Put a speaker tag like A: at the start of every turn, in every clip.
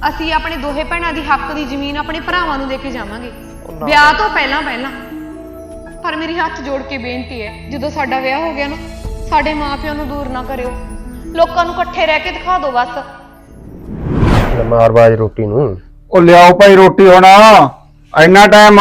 A: ਅਸੀਂ ਆਪਣੇ ਦੋਹੇ ਭੈਣਾਂ ਦੀ ਹੱਕ ਦੀ ਜ਼ਮੀਨ ਆਪਣੇ ਭਰਾਵਾਂ ਨੂੰ ਦੇ ਕੇ ਜਾਵਾਂਗੇ ਵਿਆਹ ਤੋਂ ਪਹਿਲਾਂ। ਪਰ ਮੇਰੀ ਹੱਥ ਜੋੜ ਕੇ ਬੇਨਤੀ ਹੈ, ਜਦੋਂ ਸਾਡਾ ਵਿਆਹ ਹੋ ਗਿਆ ਨਾ, ਸਾਡੇ ਮਾਪਿਆਂ ਨੂੰ ਦੂਰ ਨਾ ਕਰਿਓ, ਲੋਕਾਂ ਨੂੰ ਇਕੱਠੇ ਰਹਿ ਕੇ ਦਿਖਾ ਦਿਓ ਬਸ।
B: ਮਾਰਬਾਜ ਰੋਟੀ ਨੂੰ
C: ਉਹ ਲਿਆਓ ਭਾਈ ਰੋਟੀ ਹੁਣ, ਇੰਨਾ ਟਾਈਮ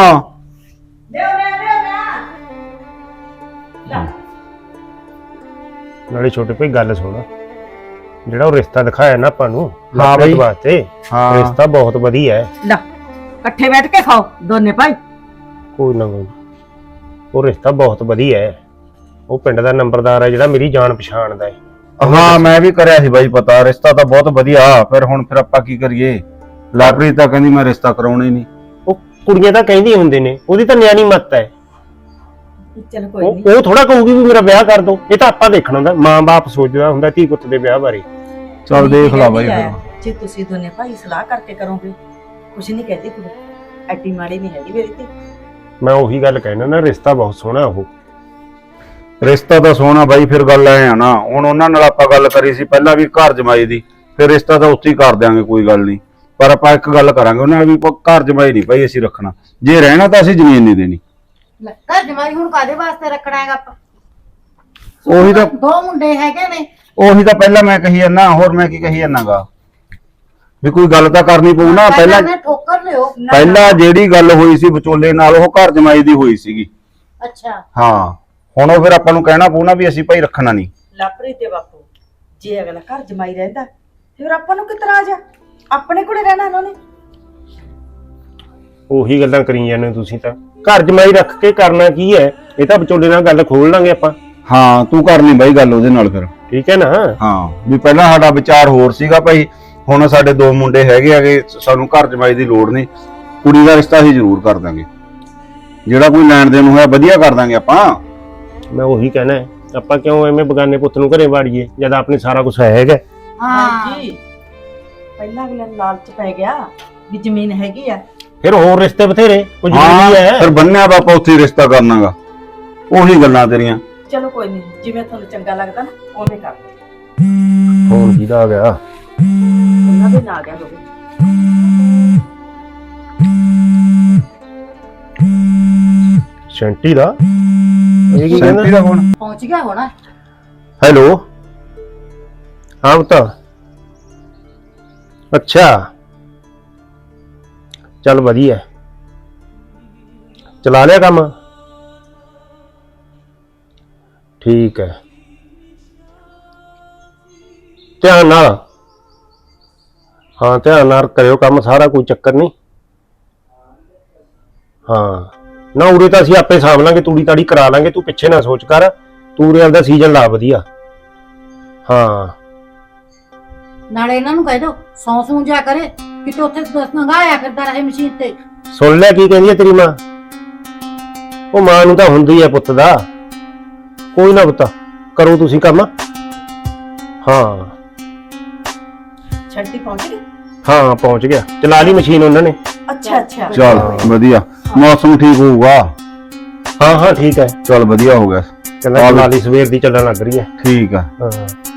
B: ਨਾਲੇ ਛੋਟੇ ਭਾਈ ਗੱਲ ਸੁਣ, ਜਿਹੜਾ ਉਹ ਰਿਸ਼ਤਾ ਦਿਖਾਇਆ ਨਾ ਆਪਾਂ ਨੂੰ
C: ਹਾਂ ਬਈ
B: ਵਾਸਤੇ,
C: ਹਾਂ
B: ਰਿਸ਼ਤਾ ਬਹੁਤ ਵਧੀਆ ਹੈ।
D: ਲਾ ਇਕੱਠੇ ਬੈਠ ਕੇ ਖਾਓ ਦੋਨੇ ਭਾਈ।
B: ਕੋਈ ਨਾ ਕੋਈ, ਉਹ ਰਿਸ਼ਤਾ ਬਹੁਤ ਵਧੀਆ ਹੈ। ਉਹ ਪਿੰਡ ਦਾ ਨੰਬਰਦਾਰ ਹੈ ਜਿਹੜਾ ਮੇਰੀ ਜਾਣ ਪਛਾਣ ਦਾ ਹੈ।
C: ਹਾਂ ਮੈਂ ਵੀ ਕਰਿਆ ਸੀ ਬਾਈ ਪਤਾ, ਰਿਸ਼ਤਾ ਤਾਂ ਬਹੁਤ ਵਧੀਆ। ਫਿਰ ਆਪਾਂ ਕੀ ਕਰੀਏ? ਲਾਪਰੀ ਤਾਂ ਕਹਿੰਦੀ ਮੈਂ ਰਿਸ਼ਤਾ ਕਰਾਉਣਾ ਹੀ ਨਹੀਂ।
B: ਉਹ ਕੁੜੀਆਂ ਤਾਂ ਕਹਿੰਦੀਆਂ ਹੁੰਦੇ ਨੇ, ਉਹਦੀ ਤਾਂ ਨਿਆਣੀ ਮੱਤ ਹੈ।
D: ਚਲ ਕੋਈ ਨਹੀਂ,
B: ਉਹ ਥੋੜਾ ਕਹੂਗੀ ਵੀ ਮੇਰਾ ਵਿਆਹ ਕਰ ਦੋ। ਇਹ ਤਾਂ ਆਪਾਂ ਦੇਖਣਾ ਹੁੰਦਾ, ਮਾਂ-ਬਾਪ ਸੋਚਦਾ ਹੁੰਦਾ ਧੀ ਪੁੱਤ ਦੇ ਵਿਆਹ ਬਾਰੇ।
C: ਚੱਲ ਦੇਖ ਲਾ ਬਾਈ ਫਿਰ।
D: ਜੇ ਤੁਸੀਂ ਦੋਨੇ ਭਾਈ ਸਲਾਹ ਕਰਕੇ ਕਰੋਗੇ, ਕੁਛ ਨਹੀਂ ਕਹਦੀ ਕੁੜੀ, ਐਡੀ ਮਾੜੀ ਨਹੀਂ ਹੈਗੀ ਮੇਰੀ ਤੇ।
B: ਮੈਂ ਉਹੀ ਗੱਲ ਕਹਿਣਾ ਨਾ, ਰਿਸ਼ਤਾ ਬਹੁਤ ਸੋਹਣਾ। ਉਹ
C: ਰਿਸ਼ਤਾ ਤਾਂ ਸੋਹਣਾ ਬਾਈ, ਫਿਰ ਗੱਲ ਐ ਆ ਨਾ, ਹੁਣ ਉਹਨਾਂ ਨਾਲ ਆਪਾਂ ਗੱਲ ਕਰੀ ਸੀ ਪਹਿਲਾਂ ਵੀ ਘਰ ਜਮਾਈ ਦੀ, ਫਿਰ ਰਿਸ਼ਤਾ ਤਾਂ ਉੱਥੇ ਹੀ ਕਰ ਦਿਆਂਗੇ, ਕੋਈ ਗੱਲ ਨਹੀਂ। ਪਰ ਆਪਾਂ ਇੱਕ ਗੱਲ ਕਰਾਂਗੇ ਉਹਨਾਂ ਨਾਲ ਵੀ, ਘਰ ਜਮਾਈ ਨਹੀਂ ਭਾਈ ਅਸੀਂ ਰੱਖਣਾ। ਜੇ ਰਹਿਣਾ ਤਾਂ ਅਸੀਂ ਜ਼ਮੀਨ ਨਹੀਂ ਦੇਣੀ।
E: ਘਰ ਜਮਾਈ ਹੁਣ ਕਾਦੇ ਵਾਸਤੇ ਰੱਖਣਾ ਹੈਗਾ ਆਪਾਂ?
C: ਉਹੀ ਤਾਂ
E: ਦੋ ਮੁੰਡੇ ਹੈਗੇ ਨੇ।
C: ਉਹੀ ਤਾਂ ਪਹਿਲਾਂ ਮੈਂ ਕਹੀ ਜਾਂਦਾ, ਹੋਰ ਮੈਂ ਕੀ ਕਹੀ ਜਾਂਦਾਗਾ ਵੀ ਕੋਈ ਗੱਲ ਤਾਂ ਕਰਨੀ ਪਊ ਨਾ। ਪਹਿਲਾਂ
E: ਠੋਕਰ ਲਿਓ।
C: ਪਹਿਲਾਂ ਜਿਹੜੀ ਗੱਲ ਹੋਈ ਸੀ ਵਿਚੋਲੇ ਨਾਲ, ਉਹ ਘਰ ਜਮਾਈ ਦੀ ਹੋਈ ਸੀਗੀ।
E: ਅੱਛਾ
C: ਹਾਂ, ਹੁਣ ਉਹ ਫਿਰ ਆਪਾਂ ਨੂੰ ਕਹਿਣਾ ਪਊ ਨਾ ਵੀ ਅਸੀਂ ਭਾਈ ਰੱਖਣਾ ਨਹੀਂ।
D: ਲਾਪਰੀ ਤੇ ਬਾਪੂ, ਜੇ ਅਗਲਾ ਘਰ ਜਮਾਈ ਰਹਿੰਦਾ ਫਿਰ ਆਪਾਂ ਨੂੰ ਕਿਤਰਾ ਆ ਜਾ, ਆਪਣੇ ਕੋਲੇ ਰਹਿਣਾ ਉਹਨਾਂ ਨੇ।
B: ਉਹੀ ਗੱਲਾਂ ਕਰੀ ਜਾਂਦੇ ਹੋ ਤੁਸੀਂ ਤਾਂ। ਘਰ ਜਮਾਈ ਰੱਖ ਕੇ ਕਰਨਾ ਕੀ ਹੈ? ਇਹ ਤਾਂ ਵਿਚੋਲੇ ਨਾਲ ਗੱਲ ਖੋਲ ਲਾਂਗੇ ਆਪਾਂ।
C: ਹਾਂ ਤੂੰ ਕਰ ਲਈ ਬਾਈ ਗੱਲ ਉਹਦੇ ਨਾਲ ਫਿਰ।
B: ਠੀਕ ਹੈ ਨਾ?
C: ਹਾਂ ਵੀ ਪਹਿਲਾਂ ਸਾਡਾ ਵਿਚਾਰ ਹੋਰ ਸੀਗਾ ਭਾਈ, ਹੁਣ ਸਾਡੇ ਦੋ ਮੁੰਡੇ ਹੈਗੇ, ਸਾਨੂੰ ਘਰ ਜਮਾਈ ਦੀ ਲੋੜ ਨਹੀਂ। ਕੁੜੀ ਦਾ ਰਿਸ਼ਤਾ ਅਸੀਂ ਜ਼ਰੂਰ ਕਰ ਦਾਂਗੇ, ਜਿਹੜਾ ਕੋਈ ਲੈਣ ਦੇਣ ਹੋਇਆ ਵਧੀਆ ਕਰ ਦਾਂਗੇ ਆਪਾਂ।
B: ਮੈਂ ਉਹੀ ਕਹਿਣਾ ਹੈ, ਆਪਾਂ ਕਿਉਂ ਐਵੇਂ ਬਗਾਨੇ ਪੁੱਤ ਨੂੰ ਘਰੇ ਵਾੜੀਏ ਜਦ ਆਪਣੇ ਸਾਰਾ ਕੁਝ ਹੈਗਾ।
E: ਹਾਂ
D: ਜੀ ਪਹਿਲਾਂ ਅਗਲੇ ਨੂੰ ਲਾਲਚ ਪੈ ਗਿਆ ਵੀ ਜ਼ਮੀਨ ਹੈਗੀ ਆ,
B: ਫਿਰ ਹੋਰ ਰਿਸ਼ਤੇ ਬਥੇਰੇ ਕੁਝ
C: ਹਾਂ
B: ਨਹੀਂ ਹੈ।
C: ਫਿਰ ਬੰਨਿਆ ਬਾਪਾ ਉੱਥੇ ਰਿਸ਼ਤਾ ਕਰਨਾਗਾ। ਉਹੀ ਗੱਲਾਂ ਤੇਰੀਆਂ।
D: ਚਲੋ ਕੋਈ ਨਹੀਂ, ਜਿਵੇਂ ਤੁਹਾਨੂੰ ਚੰਗਾ ਲੱਗਦਾ ਨਾ ਉਵੇਂ ਕਰ ਲਓ।
B: ਫੋਨ ਕਿਹਦਾ ਆ ਗਿਆ?
D: ਉਹਨਾਂ ਦੇ ਨਾਲ ਗਿਆ ਹੋਵੇ।
B: ਸ਼ੈਂਟੀ ਦਾ? ਇਹ ਕੀ ਕਹਿੰਦਾ?
C: ਸੈਂਟੀ ਦਾ ਫੋਨ
E: ਪਹੁੰਚ ਗਿਆ ਹੋਣਾ।
B: ਹੈਲੋ, ਹਾਂ ਬਤਾ। ਅੱਛਾ ਚੱਲ ਵਧੀਆ, ਚਲਾ ਲਿਆ ਕੰਮ? ਠੀਕ ਹੈ, ਧਿਆਨ ਨਾਲ। ਹਾਂ ਧਿਆਨ ਨਾਲ ਕਰਿਓ ਕੰਮ ਸਾਰਾ, ਕੋਈ ਚੱਕਰ ਨਹੀਂ। ਹਾਂ ਨਾ, ਉਰੇ ਤਾਂ ਅਸੀਂ ਆਪੇ ਸਾਂਭ ਲਾਂਗੇ, ਤੂੜੀ ਤਾੜੀ ਕਰਾ ਲਾਂਗੇ, ਤੂੰ ਪਿੱਛੇ ਨਾ ਸੋਚ ਕਰ। ਤੂੰ ਉਰੇ ਦਾ ਸੀਜ਼ਨ ਲਾ ਵਧੀਆ। ਹਾਂ
E: ਨਾਲੇ ਇਹਨਾਂ ਨੂੰ ਕਹਿ ਦੋ ਸੌਂ ਜਾ ਕਰੇ, ਕਿਤੇ ਉੱਥੇ ਨੰਗਾਇਆ ਫਿਰਦਾ ਰਹੇ ਮਸ਼ੀਨ ਤੇ।
B: ਸੁਣ ਲੈ ਕੀ ਕਹਿੰਦੀ ਹੈ ਤੇਰੀ ਮਾਂ। ਉਹ ਮਾਂ ਨੂੰ ਤਾਂ ਹੁੰਦੀ ਹੈ ਪੁੱਤ ਦਾ। ਕੋਈ ਨਾ ਪੁੱਤ, ਕਰੋ ਤੁਸੀਂ ਕੰਮ। ਹਾਂ
D: ਛੱਡੀ ਪਹੁੰਚ ਗਈ।
B: ਹਾਂ ਪਹੁੰਚ ਗਿਆ, ਚਲਾ ਲਈ ਮਸ਼ੀਨ ਉਹਨਾਂ ਨੇ।
D: ਅੱਛਾ ਅੱਛਾ
C: ਚੱਲ ਵਧੀਆ, ਮੌਸਮ ਠੀਕ ਹੋਊਗਾ।
B: ਹਾਂ ਹਾਂ ਠੀਕ ਹੈ,
C: ਚੱਲ ਵਧੀਆ ਹੋ ਗਿਆ।
B: ਕਹਿੰਦਾ ਚਲਾ ਲਈ, ਸਵੇਰ ਦੀ ਚੱਲਣ ਲੱਗ ਰਹੀ ਹੈ।
C: ਠੀਕ ਆ।
B: ਹਾਂ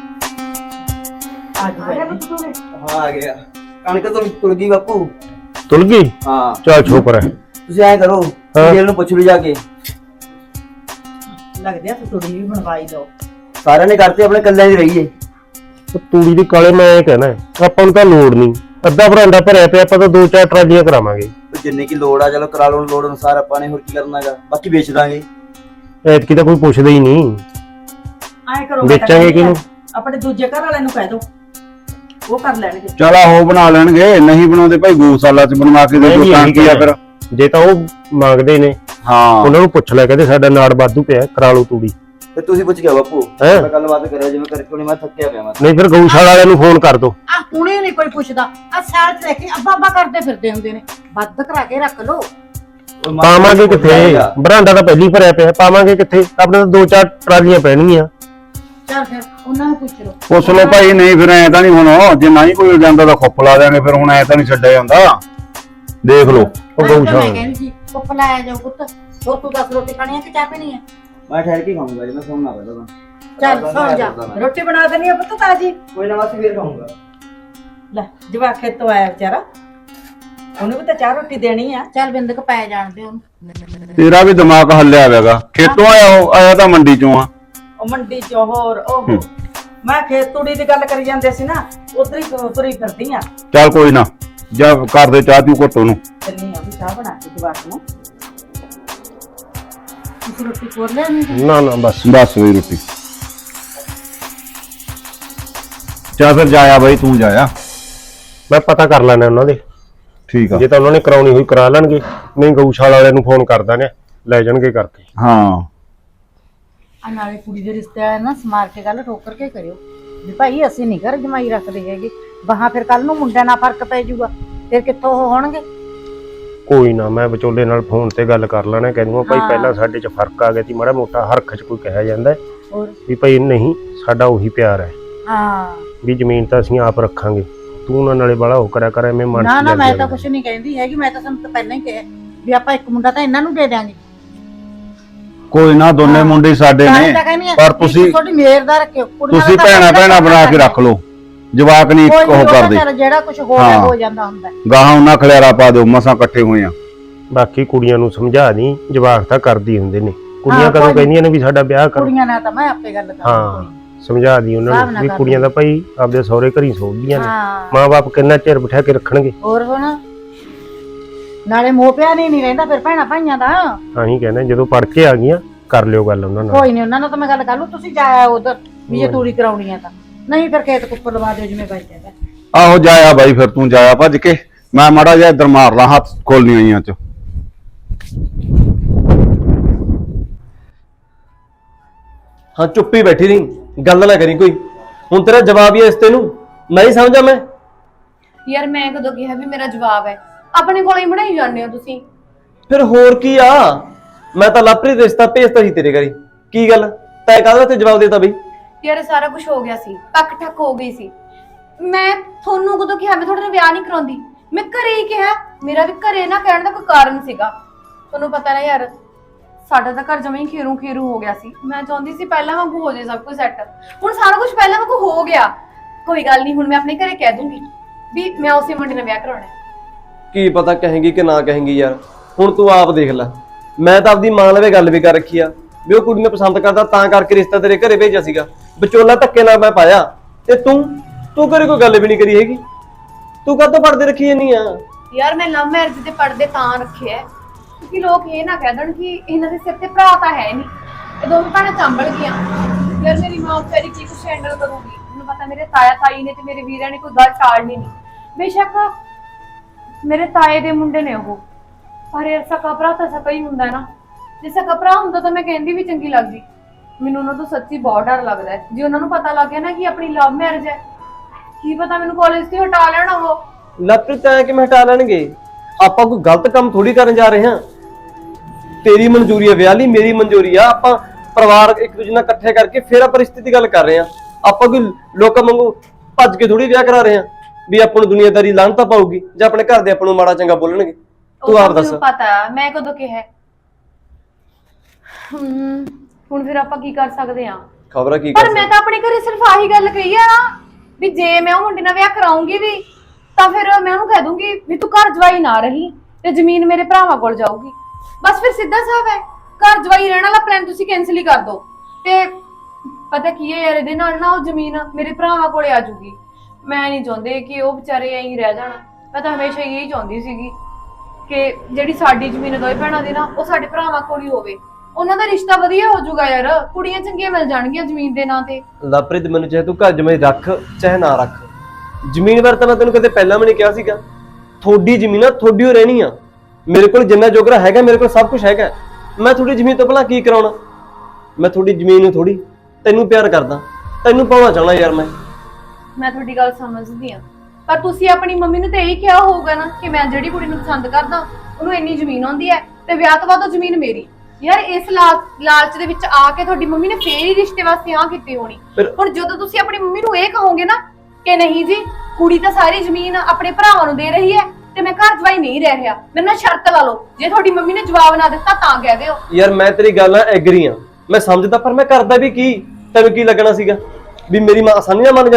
D: ਆ ਗਿਆ
F: ਹਾਂ ਆ ਗਿਆ। ਕਣਕ ਤੁਲ ਗਈ ਬਾਪੂ।
B: ਤੁਲ ਗਈ?
F: ਹਾਂ
B: ਚੱਲ ਸ਼ੁਕਰ ਹੈ।
F: ਤੁਸੀਂ ਐਂ ਕਰੋ, ਜੇਲ ਨੂੰ ਪੁੱਛ ਲਓ ਜਾ ਕੇ।
D: ਲੱਗਦਾ ਤੂੰ ਥੋੜੀ ਵੀ ਬਣਵਾਈ ਦੋ।
F: ਸਾਰਿਆਂ ਨੇ ਕਰਤੇ, ਆਪਣੇ ਕੱਲਿਆਂ ਦੀ ਰਹੀਏ।
B: ਉਹ ਤੂੜੀ ਦੀ ਕਾਲੇ ਮੈਂ ਇਹ ਕਹਿਣਾ ਹੈ, ਆਪਾਂ ਨੂੰ ਤਾਂ ਲੋੜ ਨਹੀਂ। ਅੱਧਾ ਬਰਾਂਡਾ ਭਰਿਆ ਪਿਆ, ਆਪਾਂ ਤਾਂ 2-4 ਟਰਾਲੀਆਂ ਕਰਾਵਾਂਗੇ।
F: ਜਿੰਨੇ ਕੀ ਲੋੜ ਆ ਚਲੋ ਕਰਾ ਲਓ, ਲੋੜ ਅਨੁਸਾਰ ਆਪਾਂ ਨੇ ਹੋਰ ਕੀ ਕਰਨਾਗਾ, ਬਾਕੀ ਵੇਚ ਦਾਂਗੇ।
B: ਐਤਕੀ ਤਾਂ ਕੋਈ ਪੁੱਛਦਾ ਹੀ ਨਹੀਂ।
D: ਐ ਕਰੋ,
B: ਵੇਚਾਂਗੇ ਕਿਹਨੂੰ?
D: ਆਪਣੇ ਦੂਜੇ ਘਰ ਵਾਲਿਆਂ ਨੂੰ ਕਹਿ ਦੋ, ਉਹ ਕਰ ਲੈਣਗੇ।
C: ਚਲ ਆਹੋ ਬਣਾ ਲੈਣਗੇ, ਨਹੀਂ ਬਣਾਉਂਦੇ ਭਾਈ ਗਊਸ਼ਾਲਾ ਚ ਬਣਵਾ ਕੇ ਦੇ ਦੋ ਤਾਂ ਕੀ ਆ ਫਿਰ।
B: ਜੇ ਤਾਂ ਉਹ ਮੰਗਦੇ ਨੇ,
C: ਹਾਂ
B: ਉਹਨਾਂ ਨੂੰ ਪੁੱਛ ਲੈ, ਕਹਿੰਦੇ ਸਾਡਾ ਨਾੜ ਵਾਧੂ ਪਿਆ, ਕਰਾ ਲਓ ਤੂੜੀ।
F: ਤੇ ਤੁਸੀਂ ਪੁੱਛ ਗਿਆ ਬਾਪੂ,
B: ਹੈਂ?
F: ਮੈਂ ਗੱਲਬਾਤ ਕਰਿਆ ਜਿਵੇਂ ਕਰਕੇ, ਹੁਣ ਮੈਂ ਥੱਕਿਆ ਪਿਆ। ਮੈਂ
B: ਨਹੀਂ ਫਿਰ ਗਊਸ਼ਾਲਾ ਵਾਲਿਆਂ ਨੂੰ ਫੋਨ ਕਰ ਦੋ।
E: ਆ ਹੁਣੇ ਨਹੀਂ ਕੋਈ ਪੁੱਛਦਾ। ਆ ਸਾਲ ਚ ਦੇਖੀ ਅੱਬਾ ਅੱਬਾ ਕਰਦੇ ਫਿਰਦੇ ਹੁੰਦੇ ਨੇ। ਵੱਧ ਕਰਾ ਕੇ ਰੱਖ ਲੋ।
B: ਪਾਵਾਂਗੇ ਕਿੱਥੇ? ਬਰਾਂਡਾ ਤਾਂ ਪਹਿਲੀ ਭਰਿਆ ਪਿਆ, ਪਾਵਾਂਗੇ ਕਿੱਥੇ? ਆਪਣੇ ਤਾਂ 2-4 ਟਰਾਲੀਆਂ ਪੈਣਗੀਆਂ।
E: ਚੱਲ ਫਿਰ ਉਹਨਾਂ ਨੂੰ ਪੁੱਛ ਲੋ।
C: ਪੁੱਛ ਲਓ ਭਾਈ। ਨਹੀਂ ਫਿਰ ਐ ਤਾਂ ਨਹੀਂ, ਹੁਣ ਜੇ ਨਹੀਂ ਕੋਈ ਜਾਂਦਾ ਤਾਂ ਖੁੱਪ ਲਾ ਦਿਆਂਗੇ। ਫਿਰ ਹੁਣ ਐ ਤਾਂ ਨਹੀਂ ਛੱਡਿਆ ਜਾਂਦਾ, ਦੇਖ ਲਓ।
B: ਉਹ ਗਊਸ਼ਾਲਾ
E: ਮੈਂ ਕਹਿੰਦੀ ਸੀ ਪੁੱਪ ਲਾਇਆ ਜਾਓ ਪੁੱਤ। ਹੋਰ ਤੂੰ 10 ਰੋਟੀ ਖਾਣੀ ਹੈ ਕਿ ਚਾਹ ਪੀਣੀ ਹੈ?
F: ਮੈਂ ਠਹਿਰ ਕੇ ਖਾਊਂਗਾ ਜੀ, ਮੈਂ ਸੌਣਾ ਪਹਿਲਾਂ ਤਾਂ।
E: ਚੱਲ ਸੌਂ ਜਾ।
D: ਰੋਟੀ ਬਣਾ ਦੇਣੀ ਆ ਪੁੱਤ ਤਾਜੀ।
F: ਕੋਈ ਨਾ, ਬਸ ਫੇਰ ਖਾਊਂਗਾ।
D: ਲੈ ਜਵਾਕ ਖੇਤੋਂ ਆਇਆ ਵਿਚਾਰਾ, ਉਹਨੂੰ ਵੀ ਤਾਂ ਚਾਹ ਰੋਟੀ ਦੇਣੀ ਆ।
E: ਚੱਲ ਬਿੰਦਕ ਪੈ ਜਾਣ ਦੇ ਉਹਨੂੰ।
C: ਤੇਰਾ ਵੀ ਦਿਮਾਗ ਹੱਲਿਆ ਹੋਵੇਗਾ। ਖੇਤੋਂ ਆਇਆ ਉਹ, ਆਇਆ ਤਾਂ ਮੰਡੀ ਚੋਂ ਆ।
D: ਉਹ ਮੰਡੀ ਚ ਹੋਰ ਉਹ ਮੈਂ ਖੇਤ ਤੂੜੀ ਦੀ ਗੱਲ ਕਰੀ ਜਾਂਦੇ ਸੀ ਨਾ, ਉਧਰ ਹੀ ਤੁਰੀ ਫਿਰਦੀ ਆ।
C: ਚੱਲ ਕੋਈ ਨਾ, ਜਾ ਕਰ ਦੇ ਚਾਹ ਤੂੰ ਘੁੱਟ ਉਹਨੂੰ।
D: ਚੱਲੀ ਆ ਵੀ ਚਾਹ ਬਣਾ ਕੇ ਜਵਾਕ ਨੂੰ।
E: ਤੁਸੀਂ ਰੋਟੀ ਖੋਲ ਲਿਆ
B: ਨਾ ਨਾ ਬਸ
C: ਬਸ ਵੀ ਰੋਟੀ। ਚੱਲ ਫਿਰ ਜਾਇਆ ਬਾਈ, ਤੂੰ ਜਾਇਆ।
B: ਮੈਂ ਪਤਾ ਕਰ ਲੈਣਾ ਉਹਨਾਂ ਦੇ,
C: ਠੀਕ ਆ।
B: ਜੇ ਤਾਂ ਉਹਨਾਂ ਨੇ ਕਰਾਉਣੀ ਹੋਈ ਕਰਾ ਲੈਣਗੇ, ਨਹੀਂ ਗਊਸ਼ਾਲਾ ਵਾਲਿਆਂ ਨੂੰ ਫੋਨ ਕਰ ਦਾਂਗੇ, ਲੈ ਜਾਣਗੇ ਕਰਕੇ।
C: ਹਾਂ
E: ਆ ਨਾਲੇ ਕੁੜੀ ਦੇ ਰਿਸ਼ਤੇ ਵਾਲੇ ਨਾ ਸਮਾਰ ਕੇ ਗੱਲ ਠੋਕਰ ਕੇ ਕਰਿਓ ਵੀ ਭਾਈ ਅਸੀਂ ਨਹੀਂ ਘਰ ਜਮਾਈ ਰੱਖਦੇ ਹੈਗੇ, ਬਾਹਾਂ ਫਿਰ ਕੱਲ ਨੂੰ ਮੁੰਡਿਆਂ ਨਾਲ ਫਰਕ ਪੈ ਜਾਊਗਾ, ਫਿਰ ਕਿੱਥੋਂ ਉਹ ਹੋਣਗੇ।
B: ਕੋਈ ਨਾ, ਮੈਂ ਵਿਚੋਲੇ ਨਾਲ ਫੋਨ ਤੇ ਗੱਲ ਕਰ ਲੈਣਾ, ਕਹਿੰਦਾ ਭਾਈ
E: ਹਾਂ।
B: ਪਹਿਲਾਂ ਸਾਡੇ 'ਚ ਫਰਕ ਆ ਗਿਆ ਸੀ ਮਾੜਾ ਮੋਟਾ, ਹਰਖ 'ਚ ਕੋਈ ਕਿਹਾ ਜਾਂਦਾ ਹੈ
E: ਹੋਰ
B: ਵੀ ਭਾਈ ਨਹੀਂ, ਸਾਡਾ ਉਹੀ ਪਿਆਰ ਹੈ
E: ਹਾਂ।
B: ਵੀ ਜ਼ਮੀਨ ਤਾਂ ਅਸੀਂ ਆਪ ਰੱਖਾਂਗੇ, ਤੂੰ ਉਹਨਾਂ ਨਾਲੇ ਬਾਲਾ ਹੋ ਕਰਿਆ ਕਰ, ਐਵੇਂ ਮਨ 'ਚ
E: ਨਾ ਨਾ ਮੈਂ
B: ਜਾਂਦੇ
E: ਤਾਂ
B: ਆ।
E: ਕੁਛ ਨਹੀਂ ਕਹਿੰਦੀ ਹੈਗੀ, ਮੈਂ ਤਾਂ ਤੁਹਾਨੂੰ ਤਾਂ ਪਹਿਲਾਂ ਹੀ ਕਿਹਾ ਵੀ ਆਪਾਂ ਇੱਕ ਮੁੰਡਾ ਤਾਂ ਇਹਨਾਂ ਨੂੰ ਦੇ ਦਿਆਂਗੇ।
C: ਕੋਈ ਨਾ, ਦੋਨੇ ਮੁੰਡੇ ਸਾਡੇ
E: ਤਾਂ ਹੀ
C: ਨੇ,
E: ਤਾਂ ਕਹਿੰਦੀ ਆ
C: ਪਰ
E: ਵੀ
C: ਤੁਸੀਂ
E: ਤੁਹਾਡੀ ਮੇਰ ਦਾ ਰੱਖਿਓ, ਕੁੜੀਆਂ
C: ਤੁਸੀਂ
E: ਦਾ ਤਾਂ
C: ਭੈਣਾ ਭੈਣਾ ਬਣਾ ਕੇ ਰੱਖ ਲਓ, ਜਵਾਕ ਨਹੀਂ
E: ਕੋਈ ਨੀ,
C: ਉਹ
E: ਉਹ ਤਾਂ
C: ਕਰਦੇ।
E: ਚੱਲ ਜਿਹੜਾ ਕੁਝ ਹੋ
C: ਹਾਂ।
E: ਰਿਹਾ ਹੋ ਜਾਂਦਾ ਹੁੰਦਾ।
C: ਗਾਹਾਂ ਉਹਨਾਂ ਖਲਿਆਰਾ ਪਾ ਦਿਓ, ਮਸਾਂ ਇਕੱਠੇ ਹੋਏ ਆ।
B: ਬਾਕੀ ਕੁੜੀਆਂ ਨੂੰ ਸਮਝਾ ਦੀ, ਜਵਾਕ ਤਾਂ ਕਰਦੀ ਹੁੰਦੇ ਨੇ, ਕੁੜੀਆਂ
E: ਹਾਂ,
B: ਕਦੋਂ
E: ਕੋਈ ਨੀ।
B: ਕਹਿੰਦੀਆਂ ਨੇ ਵੀ ਸਾਡਾ ਵਿਆਹ ਕਰੋ।
E: ਕੁੜੀਆਂ ਨਾਲ ਤਾਂ ਮੈਂ ਆਪੇ ਗੱਲ ਕਰਾਂਗੀ।
B: ਹਾਂ ਸਮਝਾ ਦੀ ਉਹਨਾਂ
E: ਹਿਸਾਬ
B: ਨੂੰ
E: ਨਾਲ
B: ਵੀ
E: ਕਰ
B: ਕੁੜੀਆਂ ਦਾ ਭਾਈ ਆਪਦੇ ਸਹੁਰੇ ਘਰੀ ਸੋਭਦੀਆਂ ਨੇ,
E: ਹਾਂ
B: ਮਾਂ-ਬਾਪ ਕਿੰਨਾ ਚਿਰ ਬਿਠਾ ਕੇ ਰੱਖਣਗੇ।
E: ਹੋਰ ਹੁਣ ਨਾਲੇ ਮੋਹ ਪਿਆ ਨਹੀਂ ਰਹਿੰਦਾ ਫਿਰ ਭੈਣਾ ਭਾਈਆਂ ਦਾ।
B: ਆਹੀਂ ਕਹਿੰਦੇ ਜਦੋਂ ਪੜ ਕੇ ਆ ਗਈਆਂ ਕਰ ਲਿਓ ਗੱਲ ਉਹਨਾਂ ਨਾਲ।
E: ਕੋਈ ਨਹੀਂ, ਉਹਨਾਂ ਨਾਲ ਤਾਂ ਮੈਂ ਗੱਲ ਕਰ ਲੂ, ਤੁਸੀਂ ਜਾਇਆ ਉਧਰ ਵੀ ਜੇ ਤੂੜੀ ਕਰਾਉਣੀ ਆ ਤਾਂ, ਨਹੀਂ ਫਿਰ ਖੇਤ ਕੁੱਪਰ ਲਵਾ ਦਿਓ ਜਿਵੇਂ ਬਾਈ ਕਹਿੰਦਾ।
C: ਆਹੋ ਜਾਇਆ ਬਾਈ, ਫਿਰ ਤੂੰ ਜਾਇਆ ਭੱਜ ਕੇ, ਮੈਂ ਮਾੜਾ ਜਿਹਾ ਇੱਧਰ ਮਾਰ ਲਾਂ ਹੱਥ ਖੋਲਣੀ ਆਈਆਂ ਚ।
F: ਹਾਂ ਚੁੱਪੀ ਬੈਠੀ ਰਹੀ, ਗੱਲ ਨਾ ਕਰੀ ਕੋਈ। ਹੁਣ ਤੇਰਾ ਜਵਾਬ ਹੀ ਹੈ ਇਸ ਤੇ ਨੂੰ, ਨਹੀਂ ਸਮਝਾ ਮੈਂ।
A: ਯਾਰ ਮੈਂ ਕਦੋਂ ਕਿਹਾ ਵੀ ਮੇਰਾ ਜਵਾਬ ਹੈ? ਆਪਣੇ ਕੋਲ ਹੀ ਬਣਾਈ ਜਾਂਦੇ ਹੋ ਤੁਸੀਂ।
F: ਫਿਰ ਹੋਰ ਕੀ ਆ, ਮੈਂ ਤਾਂ ਲਾਪਰੀ ਰਿਸ਼ਤਾ ਭੇਜਤਾ ਸੀ ਤੇਰੇ ਘਰੀ। ਕੀ ਗੱਲ ਤੈਂ ਕਾਹਦਾ ਤੇ ਜਵਾਬ ਦੇਤਾ ਬਈ?
A: ਯਾਰ ਸਾਰਾ ਕੁਝ ਹੋ ਗਿਆ ਸੀ, ਪੱਕ ਠੱਕ ਹੋ ਗਈ ਸੀ। ਮੈਂ ਤੁਹਾਨੂੰ ਕਦੋਂ ਕਿਹਾ ਮੈਂ ਤੁਹਾਡੇ ਨਾਲ ਵਿਆਹ ਨਹੀਂ ਕਰਾਉਂਦੀ? ਮੈਂ ਘਰੇ ਹੀ ਕਿਹਾ, ਮੇਰਾ ਵੀ ਘਰੇ ਨਾ ਕਹਿਣ ਦਾ ਕੋਈ ਕਾਰਨ ਸੀਗਾ। ਤੁਹਾਨੂੰ ਪਤਾ ਨਾ ਯਾਰ, ਸਾਡਾ ਤਾਂ ਘਰ ਜਮਾਂ ਹੀ ਖੇਰੂ ਖੇਰੂ ਹੋ ਗਿਆ ਸੀ। ਮੈਂ ਚਾਹੁੰਦੀ ਸੀ ਪਹਿਲਾਂ ਵਾਂਗੂ ਹੋ ਜਾਏ ਸਭ ਕੁਝ ਸੈੱਟ, ਹੁਣ ਸਾਰਾ ਕੁਝ ਪਹਿਲਾਂ ਵਾਂਗੂ ਹੋ ਗਿਆ। ਕੋਈ ਗੱਲ ਨਹੀਂ, ਹੁਣ ਮੈਂ ਆਪਣੇ ਘਰੇ ਕਹਿ ਦੂੰਗੀ ਵੀ ਮੈਂ ਉਸੇ ਮੁੰਡੇ ਨਾਲ ਵਿਆਹ ਕਰਾਉਣਾ ਹੈ।
F: ਕੀ ਪਤਾ ਕਹੇਂਗੀ ਕਿ ਨਾ ਕਹੇਂਗੀ ਯਾਰ, ਹੁਣ ਤੂੰ ਆਪ ਦੇਖ ਲੈ। ਮੈਂ ਤਾਂ ਆਪਦੀ ਮਾਂ ਲਵੇ ਗੱਲ ਵੀ ਕਰ ਰੱਖੀ ਆ ਵੀ ਉਹ ਕੁੜੀ ਨੂੰ ਪਸੰਦ ਕਰਦਾ, ਤਾਂ ਕਰਕੇ ਰਿਸ਼ਤਾ ਤੇਰੇ ਘਰੇ ਭੇਜਿਆ ਸੀਗਾ। ਵਿਚੋਲਾ ਧੱਕੇ ਨਾਲ ਮੈਂ ਪਾਇਆ, ਤੇ ਤੂੰ ਘਰੇ ਕੋਈ ਗੱਲ ਵੀ ਨਹੀਂ ਕਰੀ ਹੈਗੀ। ਤੂੰ ਕਾਹਤੋਂ ਪੜਦੇ ਰੱਖੀ ਜਾਨੀ ਆ?
A: ਯਾਰ ਮੈਂ ਲਵ ਮੈਰਿਜ ਦੇ ਪਰਦੇ ਤਾਂ ਰੱਖਿਆ ਕਿਉਂਕਿ ਲੋਕ ਇਹ ਨਾ ਕਹਿ ਦੇਣ ਕਿ ਇਹਨਾਂ ਦੇ ਸਿਰ ਤੇ ਭਰਾ ਤਾਂ ਹੈ ਨਹੀਂ, ਇਹ ਦੋਵੇਂ ਭੈਣਾਂ ਚੰਬਲ ਗਈਆਂ। ਯਾਰ ਮੇਰੀ ਮਾਂ ਵਿਚਾਰੀ ਕੀ ਕੁਛ ਹੈਂਡਲ ਕਰੂਗੀ? ਮੈਨੂੰ ਪਤਾ ਮੇਰੇ ਤਾਇਆ ਤਾਈ ਨੇ ਤੇ ਮੇਰੇ ਵੀਰਾਂ ਨੇ ਕੋਈ ਗੱਲ ਟਾਲਣੀ ਨਹੀਂ। ਬੇਸ਼ੱਕ ਮੇਰੇ ਤਾਏ ਦੇ ਮੁੰਡੇ ਨੇ ਉਹ, ਪਰ ਯਾਰ ਸਕਾ ਭਰਾ ਤਾਂ ਸਕਾ ਹੀ ਹੁੰਦਾ ਨਾ। ਜੇ ਸਕਾ ਭਰਾ ਹੁੰਦਾ ਤਾਂ ਮੈਂ ਕਹਿੰਦੀ ਵੀ ਚੰਗੀ ਲੱਗਦੀ। ਮੈਨੂੰ ਉਹਨਾਂ ਤੋਂ ਸੱਚੀ ਬਹੁਤ ਡਰ ਲੱਗਦਾ ਹੈ। ਜੇ ਉਹਨਾਂ ਨੂੰ ਪਤਾ ਲੱਗ ਗਿਆ ਨਾ ਕਿ ਆਪਣੀ ਲਵ ਮੈਰਿਜ ਹੈ, ਕੀ ਪਤਾ ਮੈਨੂੰ ਕਾਲਜ ਤੋਂ ਹਟਾ ਲੈਣ ਉਹ।
F: ਲੱਪਰੀ ਤੈਂ ਕਿਵੇਂ ਹਟਾ ਲੈਣਗੇ? ਆਪਾਂ ਕੋਈ ਗਲਤ ਕੰਮ ਥੋੜੀ ਕਰਨ ਜਾ ਰਹੇ ਹਾਂ। ਤੇਰੀ ਮਨਜ਼ੂਰੀ ਹੈ ਵਿਆਹ ਲਈ, ਮੇਰੀ ਮਨਜ਼ੂਰੀ ਆ। ਆਪਾਂ ਪਰਿਵਾਰ ਇੱਕ ਦੂਜੇ ਨਾਲ ਇਕੱਠੇ ਕਰਕੇ ਫਿਰ ਆਪਾਂ ਰਿਸ਼ਤੇ ਦੀ ਗੱਲ ਕਰ ਰਹੇ ਹਾਂ। ਆਪਾਂ ਕੋਈ ਲੋਕਾਂ ਵਾਂਗੂ ਭੱਜ ਕੇ ਥੋੜੀ ਵਿਆਹ ਕਰਾ ਰਹੇ ਹਾਂ ਵੀ ਆਪਾਂ ਨੂੰ ਦੁਨੀਆਦਾਰੀ ਲਾਹਨਤ ਪਾਊਗੀ ਜਾਂ ਆਪਣੇ ਘਰ ਦੇ ਆਪਾਂ ਨੂੰ ਮਾੜਾ ਚੰਗਾ ਬੋਲਣਗੇ। ਤੂੰ ਆਪ ਦੱਸ।
A: ਮੈਨੂੰ ਪਤਾ ਮੈਂ ਕਦੋਂ ਕਿਹਾ। ਹੁਣ ਫਿਰ ਆਪਾਂ ਕੀ ਕਰ ਸਕਦੇ ਆ?
F: ਖਬਰਾਂ ਕੀ
A: ਪਰ
F: ਕਰ
A: ਮੈਂ ਤਾਂ ਆਪਣੇ ਘਰੇ ਸਿਰਫ ਆਹੀ ਗੱਲ ਕਹੀ ਆ ਨਾ ਵੀ ਜੇ ਮੈਂ ਉਹ ਮੁੰਡੇ ਨਾਲ ਵਿਆਹ ਕਰਾਉਂਗੀ ਵੀ ਤਾਂ ਫਿਰ ਮੈਂ ਉਹਨੂੰ ਕਹਿ ਦੂੰਗੀ ਵੀ ਤੂੰ ਘਰ ਜਵਾਈ ਨਾ ਰਹੀ ਤੇ ਜ਼ਮੀਨ ਮੇਰੇ ਭਰਾਵਾਂ ਕੋਲ ਜਾਊਗੀ। ਬਸ ਫਿਰ ਸਿੱਧਾ ਸਾਫ਼ ਹੈ, ਘਰ ਜਵਾਈ ਰਹਿਣ ਵਾਲਾ ਪਲਾਨ ਤੁਸੀਂ ਕੈਨਸਲ ਹੀ ਕਰ ਦਿਓ। ਤੇ ਪਤਾ ਕੀ ਹੈ ਯਾਰ, ਇਹਦੇ ਨਾਲ ਨਾ ਉਹ ਜ਼ਮੀਨ ਮੇਰੇ ਭਰਾਵਾਂ ਕੋਲੇ ਆ ਜਾਊਗੀ। ਮੈਂ ਨਹੀਂ ਚਾਹੁੰਦੀ ਕਿ ਉਹ ਵਿਚਾਰੇ ਐਂ ਹੀ ਰਹਿ ਜਾਣ। ਮੈਂ ਤਾਂ ਹਮੇਸ਼ਾ ਇਹੀ ਚਾਹੁੰਦੀ ਸੀਗੀ ਕਿ ਜਿਹੜੀ ਸਾਡੀ ਜ਼ਮੀਨ ਦੋਵੇਂ ਭੈਣਾਂ ਦੀ ਨਾ, ਉਹ ਸਾਡੇ ਭਰਾਵਾਂ ਕੋਲ ਹੀ ਹੋਵੇ। ਉਹਨਾਂ ਦਾ ਰਿਸ਼ਤਾ ਵਧੀਆ ਹੋ ਜਾਊਗਾ ਯਾਰ, ਕੁੜੀਆਂ ਚੰਗੀਆਂ ਮਿਲ ਜਾਣਗੀਆਂ ਜ਼ਮੀਨ ਦੇ ਨਾਂ ਤੇ।
F: ਲਾਪਰੀ ਮੈਨੂੰ ਚਾਹੇ ਤੂੰ ਘਰ ਜਮਾਈ ਰੱਖ ਚਾਹੇ ਨਾ ਰੱਖ, ਜ਼ਮੀਨ ਬਾਰੇ ਤਾਂ ਮੈਂ ਤੈਨੂੰ ਕਦੇ ਪਹਿਲਾਂ ਵੀ ਨਹੀਂ ਕਿਹਾ ਸੀਗਾ। ਥੋੜੀ ਜ਼ਮੀਨ ਆ, ਥੋੜੀ ਓ ਰਹਿਣੀ ਆ। ਮੇਰੇ ਕੋਲ ਜਿੰਨਾ ਜੋਗਰਾ ਹੈਗਾ, ਮੇਰੇ ਕੋਲ ਸਭ ਕੁਝ ਹੈਗਾ। ਮੈਂ ਥੋੜੀ ਜ਼ਮੀਨ ਤੋਂ ਭਲਾ ਕੀ ਕਰਾਉਣਾ? ਮੈਂ ਥੋੜੀ ਜ਼ਮੀਨ ਨੂੰ ਥੋੜੀ ਤੈਨੂੰ ਪਿਆਰ ਕਰਦਾ, ਤੈਨੂੰ ਪਾਉਣਾ ਚਾਹਣਾ ਯਾਰ।
A: ਮੈਂ ਤੁਹਾਡੀ ਗੱਲ ਸਮਝਦੀ ਆ, ਪਰ ਤੁਸੀਂ ਆਪਣੀ ਮੰਮੀ ਨੂੰ ਤੇ ਇਹੀ ਕਿਹਾ ਹੋਊਗਾ ਨਾ ਕਿ ਮੈਂ ਜਿਹੜੀ ਕੁੜੀ ਨੂੰ ਪਸੰਦ ਕਰਦਾ ਉਹਨੂੰ ਇੰਨੀ ਜ਼ਮੀਨ ਆਉਂਦੀ ਹੈ ਤੇ ਵਿਆਹ ਤੋਂ ਬਾਅਦ ਉਹ ਜ਼ਮੀਨ ਮੇਰੀ। ਯਾਰ ਇਸ ਲਾਲਚ ਦੇ ਵਿੱਚ ਆ ਕੇ ਤੁਹਾਡੀ ਮੰਮੀ ਨੇ ਫੇਰ ਹੀ ਰਿਸ਼ਤੇ ਵਾਸਤੇ ਹਾਂ ਕੀਤੀ ਹੋਣੀ। ਹੁਣ ਜਦੋਂ ਤੁਸੀਂ ਆਪਣੀ ਮੰਮੀ ਨੂੰ ਇਹ ਕਹੋਗੇ ਨਾ ਕਿ ਨਹੀਂ ਜੀ ਕੁੜੀ ਤਾਂ ਸਾਰੀ ਜ਼ਮੀਨ ਆਪਣੇ ਭਰਾਵਾਂ ਨੂੰ ਦੇ ਰਹੀ ਹੈ ਤੇ ਮੈਂ ਘਰ ਜਵਾਈ ਨਹੀਂ ਰਹਿ ਰਿਹਾ, ਮੇਰੇ ਨਾਲ ਸ਼ਰਤ ਲਾ ਲਓ। ਜੇ ਤੁਹਾਡੀ ਮੰਮੀ ਨੇ ਜਵਾਬ ਨਾ ਦਿੱਤਾ ਤਾਂ ਕਹਿ ਦਿਓ।
F: ਯਾਰ ਮੈਂ ਤੇਰੀ ਗੱਲ ਨਾਲ ਐਗਰੀ ਆ, ਮੈਂ ਸਮਝਦਾ, ਪਰ ਮੈਂ ਕਰਦਾ ਵੀ ਕੀ? ਤੈਨੂੰ ਕੀ ਲੱਗਣਾ ਸੀਗਾ ਵੀ ਮੇਰੀ ਮਾਂ ਆਸਾਨੀ ਨਾਲ ਮੰਨ ਜਾਂਦੀ?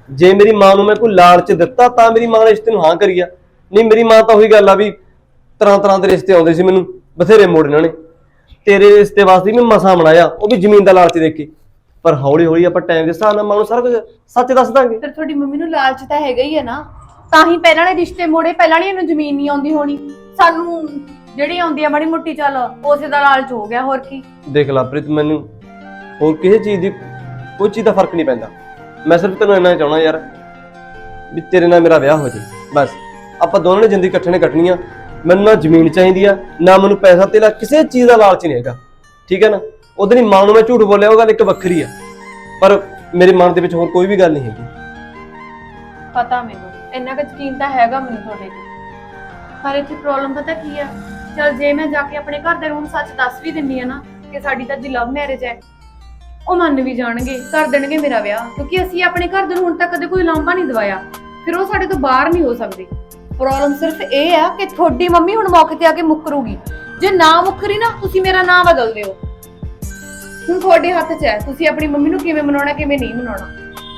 F: ਜੇ ਮੇਰੀ ਮਾਂ ਨੂੰ ਮੈਂ ਕੋਈ ਲਾਲਚ ਦਿੱਤਾ ਤਾਂ ਮੇਰੀ ਮਾਂ ਨੇ ਰਿਸ਼ਤੇ ਨੂੰ ਹਾਂ ਕਰੀ ਆ, ਨਹੀਂ ਮੇਰੀ ਮਾਂ ਤਾਂ ਉਹੀ ਗੱਲ ਆ ਵੀ ਤਰ੍ਹਾਂ ਤਰ੍ਹਾਂ ਦੇ ਰਿਸ਼ਤੇ ਆਉਂਦੇ ਸੀ ਮੈਨੂੰ, ਬਥੇਰੇ ਮੋੜ ਇਹਨਾਂ ਨੇ। ਤੇਰੇ ਰਿਸ਼ਤੇ ਵਾਸਤੇ ਮੈਂ ਮਸਾਂ ਬਣਾਇਆ, ਉਹ ਵੀ ਜ਼ਮੀਨ ਦਾ ਲਾਲਚ ਦੇ ਕੇ। ਪਰ ਹੌਲੀ ਹੌਲੀ ਆਪਾਂ ਟਾਈਮ ਦੇ ਹਿਸਾਬ ਨਾਲ ਮਾਂ ਨੂੰ ਸਾਰਾ ਕੁਝ ਸੱਚ ਦੱਸ ਦਾਂਗੇ।
A: ਫਿਰ ਤੁਹਾਡੀ ਮੰਮੀ ਨੂੰ ਲਾਲਚ ਤਾਂ ਹੈਗਾ ਹੀ ਹੈ ਨਾ, ਤਾਂ ਹੀ ਪਹਿਲਾਂ ਨੇ ਰਿਸ਼ਤੇ ਮੋੜੇ। ਪਹਿਲਾਂ ਨਹੀਂ ਇਹਨੂੰ ਜ਼ਮੀਨ ਨਹੀਂ ਆਉਂਦੀ ਹੋਣੀ, ਸਾਨੂੰ ਜਿਹੜੀ ਆਉਂਦੀ ਆ ਮਾੜੀ ਮੋਟੀ ਚੱਲ ਉਸੇ ਦਾ ਲਾਲਚ ਹੋ ਗਿਆ, ਹੋਰ ਕੀ।
F: ਦੇਖ ਲਾ ਪ੍ਰੀਤ, ਮੈਨੂੰ ਹੋਰ ਕਿਸੇ ਚੀਜ਼ ਦੀ ਕੋਈ ਚੀਜ਼ ਦਾ ਫਰਕ ਨਹੀਂ ਪੈਂਦਾ। ਮੈਂ ਸਿਰਫ ਤੈਨੂੰ ਇੰਨਾ ਚਾਹਣਾ ਯਾਰ ਵੀ ਤੇਰੇ ਨਾਲ ਮੇਰਾ ਵਿਆਹ ਹੋ ਜਾਏ, ਬਸ। ਆਪਾਂ ਦੋਨਾਂ ਨੇ ਜ਼ਿੰਦਗੀ ਇਕੱਠੇ ਨੇ ਕੱਟਣੀ ਆ। ਮੈਨੂੰ ਨਾ ਜ਼ਮੀਨ ਚਾਹੀਦੀ ਆ, ਨਾ ਮੈਨੂੰ ਪੈਸਾ ਤੇਲਾ, ਕਿਸੇ ਚੀਜ਼ ਦਾ ਲਾਲਚ ਨਹੀਂ ਹੈਗਾ, ਠੀਕ ਹੈ ਨਾ। ਉਹਦੇ ਲਈ ਮਾਂ ਨੂੰ ਮੈਂ ਝੂਠ ਬੋਲਿਆ, ਉਹ ਗੱਲ ਇੱਕ ਵੱਖਰੀ ਆ, ਪਰ ਮੇਰੇ ਮਨ ਦੇ ਵਿੱਚ ਹੋਰ ਕੋਈ ਵੀ ਗੱਲ ਨਹੀਂ ਹੈਗੀ।
A: ਪਤਾ ਮੈਨੂੰ, ਇੰਨਾ ਕੁ ਯਕੀਨ ਤਾਂ ਹੈਗਾ ਮੈਨੂੰ ਤੁਹਾਡੇ ਤੇ। ਪਰ ਇੱਥੇ ਪ੍ਰੋਬਲਮ ਪਤਾ ਕੀ ਆ, ਚਲ ਜੇ ਮੈਂ ਜਾ ਕੇ ਆਪਣੇ ਘਰ ਦੇ ਨੂੰ ਸੱਚ ਦੱਸ ਵੀ ਦਿੰਨੀ ਆ ਨਾ ਕਿ ਸਾਡੀ ਤਾਂ ਜੀ ਲਵ ਮੈਰਿਜ ਹੈ, ਉਹ ਮੰਨ ਵੀ ਜਾਣਗੇ, ਕਰ ਦੇਣਗੇ ਮੇਰਾ ਵਿਆਹ, ਕਿਉਂਕਿ ਅਸੀਂ ਆਪਣੇ ਘਰ ਦੇ ਨੂੰ ਹੁਣ ਤੱਕ ਕਦੇ ਕੋਈ ਲਾਂਭਾ ਨਹੀਂ ਦਵਾਇਆ। ਫਿਰ ਉਹ ਸਾਡੇ ਤੋਂ ਬਾਹਰ ਨਹੀਂ ਹੋ ਸਕਦੇ। ਪ੍ਰੋਬਲਮ ਸਿਰਫ ਇਹ ਆ ਕਿ ਤੁਹਾਡੀ ਮੰਮੀ ਹੁਣ ਮੌਕੇ ਤੇ ਆ ਕੇ ਮੁੱਕਰੂਗੀ। ਜੇ ਨਾ ਮੁੱਕਰੀ ਨਾ, ਤੁਸੀਂ ਮੇਰਾ ਨਾਂ ਬਦਲ ਦਿਓ। ਹੁਣ ਤੁਹਾਡੇ ਹੱਥ 'ਚ ਹੈ, ਤੁਸੀਂ ਆਪਣੀ ਮੰਮੀ ਨੂੰ ਕਿਵੇਂ ਮਨਾਉਣਾ, ਕਿਵੇਂ ਨਹੀਂ ਮਨਾਉਣਾ।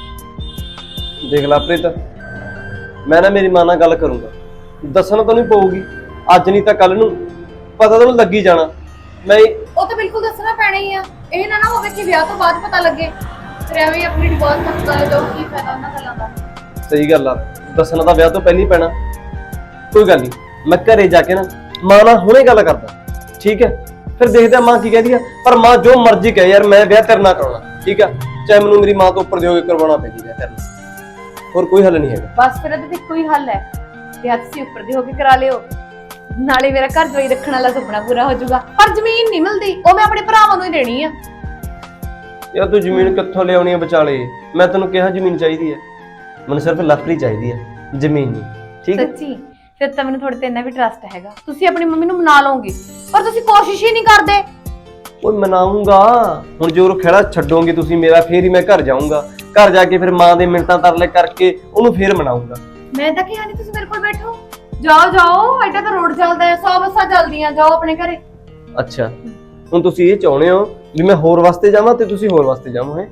F: ਦੇਖ ਲਾ ਪ੍ਰੀਤ, ਮੈਂ ਨਾ ਮੇਰੀ ਮਾਂ ਨਾਲ ਗੱਲ ਕਰੂੰਗਾ, ਦੱਸਣਾ ਤਾਂ ਨਹੀਂ ਪਊਗੀ ਅੱਜ, ਨਹੀਂ ਤਾਂ ਕੱਲ ਨੂੰ ਪਤਾ ਤਾਂ ਲੱਗੀ ਜਾਣਾ। ਮੈਂ
A: ਉਹ ਤਾਂ ਬਿਲਕੁਲ ਦੱਸਣਾ ਪੈਣਾ ਹੀ ਆ। ਇਹ ਨਾ ਹੋਵੇ ਕਿ ਵਿਆਹ ਤੋਂ ਬਾਅਦ ਪਤਾ ਲੱਗੇ ਫਿਰ ਐਵੇਂ ਆਪਣੀ ਡਿਵੋਰਸ ਤੱਕ ਕਰ ਜਾਓ, ਕੀ ਫਾਇਦਾ ਉਹਨਾਂ ਗੱਲਾਂ ਦਾ।
F: ਸਹੀ ਗੱਲ ਆ, ਦੱਸਣਾ ਤਾਂ ਵਿਆਹ ਤੋਂ ਪਹਿਲਾਂ ਹੀ ਪੈਣਾ। ਕੋਈ ਗੱਲ ਨਹੀਂ, ਮੈਂ ਘਰੇ ਜਾ ਕੇ ਨਾ ਮਾਂ ਨਾਲ ਹੁਣੇ ਗੱਲ ਕਰਦਾ, ਠੀਕ ਹੈ। ਫਿਰ ਦੇਖਦੇ ਆ ਮਾਂ ਕੀ ਕਹਿੰਦੀ ਆ। ਪਰ ਮਾਂ ਜੋ ਮਰਜ਼ੀ ਕਹੇ ਯਾਰ, ਮੈਂ ਵਿਆਹ ਤੇਰੇ ਨਾਲ ਕਰਾਉਣਾ, ਠੀਕ ਆ। ਚਾਹੇ ਮੈਨੂੰ ਮੇਰੀ ਮਾਂ ਤੋਂ ਉੱਪਰ ਦਿਓ ਕੇ ਕਰਵਾਉਣਾ ਪੈ ਜੀ ਵਿਆਹ ਤੇਰੇ ਨਾਲ, ਹੋਰ ਕੋਈ ਹੱਲ ਨਹੀਂ ਹੈਗਾ।
A: ਬਸ ਫਿਰ ਇਹਦੇ ਤੇ ਕੋਈ ਹੱਲ ਹੈ, ਵਿਆਹ ਤੁਸੀਂ ਉੱਪਰ ਦੀ ਹੋ ਕੇ ਕਰਾ ਲਿਓ, ਨਾਲੇ ਮੇਰਾ ਘਰ ਜਵਾਈ ਰੱਖਣ ਵਾਲਾ ਸੁਪਨਾ ਪੂਰਾ ਹੋ ਜਾਊਗਾ। ਪਰ ਜ਼ਮੀਨ ਨਹੀਂ ਮਿਲਦੀ, ਉਹ ਮੈਂ ਆਪਣੇ ਭਰਾਵਾਂ ਨੂੰ ਹੀ ਦੇਣੀ ਆ।
F: ਯਾਰ ਤੂੰ ਜ਼ਮੀਨ ਕਿੱਥੋਂ ਲਿਆਉਣੀ ਆ ਵਿਚਾਲੇ? ਮੈਂ ਤੈਨੂੰ ਕਿਹਾ ਜ਼ਮੀਨ ਚਾਹੀਦੀ ਹੈ, ਮੈਨੂੰ ਸਿਰਫ ਲੱਕੜੀ ਚਾਹੀਦੀ ਹੈ, ਜ਼ਮੀਨ ਨਹੀਂ, ਠੀਕ ਹੈ।
A: ਸੱਚੀ ਫਿਰ ਤਾਂ ਮੈਨੂੰ ਤੁਹਾਡੇ ਤੇ ਇੰਨਾ ਵੀ ਟਰਸਟ ਹੈਗਾ, ਤੁਸੀਂ ਆਪਣੀ ਮੰਮੀ ਨੂੰ ਮਨਾ ਲਓਗੇ, ਪਰ ਤੁਸੀਂ ਕੋਸ਼ਿਸ਼ ਹੀ ਨਹੀਂ ਕਰਦੇ।
F: ਓਏ ਮਨਾਉਂਗਾ, ਹੁਣ ਜੋ ਖੇੜਾ ਛੱਡੋਗੇ ਤੁਸੀਂ ਮੇਰਾ, ਫੇਰ ਹੀ ਮੈਂ ਘਰ ਜਾਊਂਗਾ। ਘਰ ਜਾ ਕੇ ਫਿਰ ਮਾਂ ਦੇ ਮਿੰਟਾਂ ਤਰਲੇ ਕਰਕੇ ਉਹਨੂੰ ਫੇਰ ਮਨਾਉਂਗਾ।
A: ਮੈਂ ਤਾਂ ਕਿਹਾ ਨਹੀਂ ਤੁਸੀਂ ਮੇਰੇ ਕੋਲ ਬੈਠੋ, ਜਾਓ ਜਾਓ, ਐਡਾ ਤਾਂ ਰੋਡ ਚੱਲਦਾ ਹੈ, 100 ਬੱਸਾਂ ਚੱਲਦੀਆਂ, ਜਾਓ ਆਪਣੇ ਘਰੇ।
F: ਅੱਛਾ, ਹੁਣ ਤੁਸੀਂ ਇਹ ਚਾਹੁੰਦੇ ਹੋ ਵੀ ਮੈਂ ਹੋਰ ਵਾਸਤੇ ਜਾਵਾਂ ਤੇ ਤੁਸੀਂ ਹੋਰ ਵਾਸਤੇ ਜਾਵੋ? ਹੈ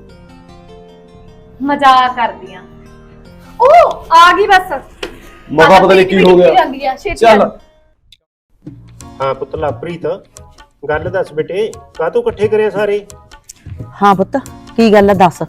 A: ਮਜ਼ਾਕ ਕਰਦੀਆਂ। ਉਹ ਆ ਗਈ ਬਸ,
F: ਮੌਕਾ ਪਤਾ ਨਹੀਂ ਕੀ ਹੋ ਗਿਆ। ਚੱਲ
B: ਹਾਂ ਪੁੱਤ ਲਵਪ੍ਰੀਤ, ਗੱਲ ਦੱਸ ਬੇਟੇ, ਕਾਹਤੋਂ ਇਕੱਠੇ ਕਰਿਆ ਸਾਰੇ?
E: ਹਾਂ ਪੁੱਤ, ਕੀ ਗੱਲ ਆ ਦੱਸ।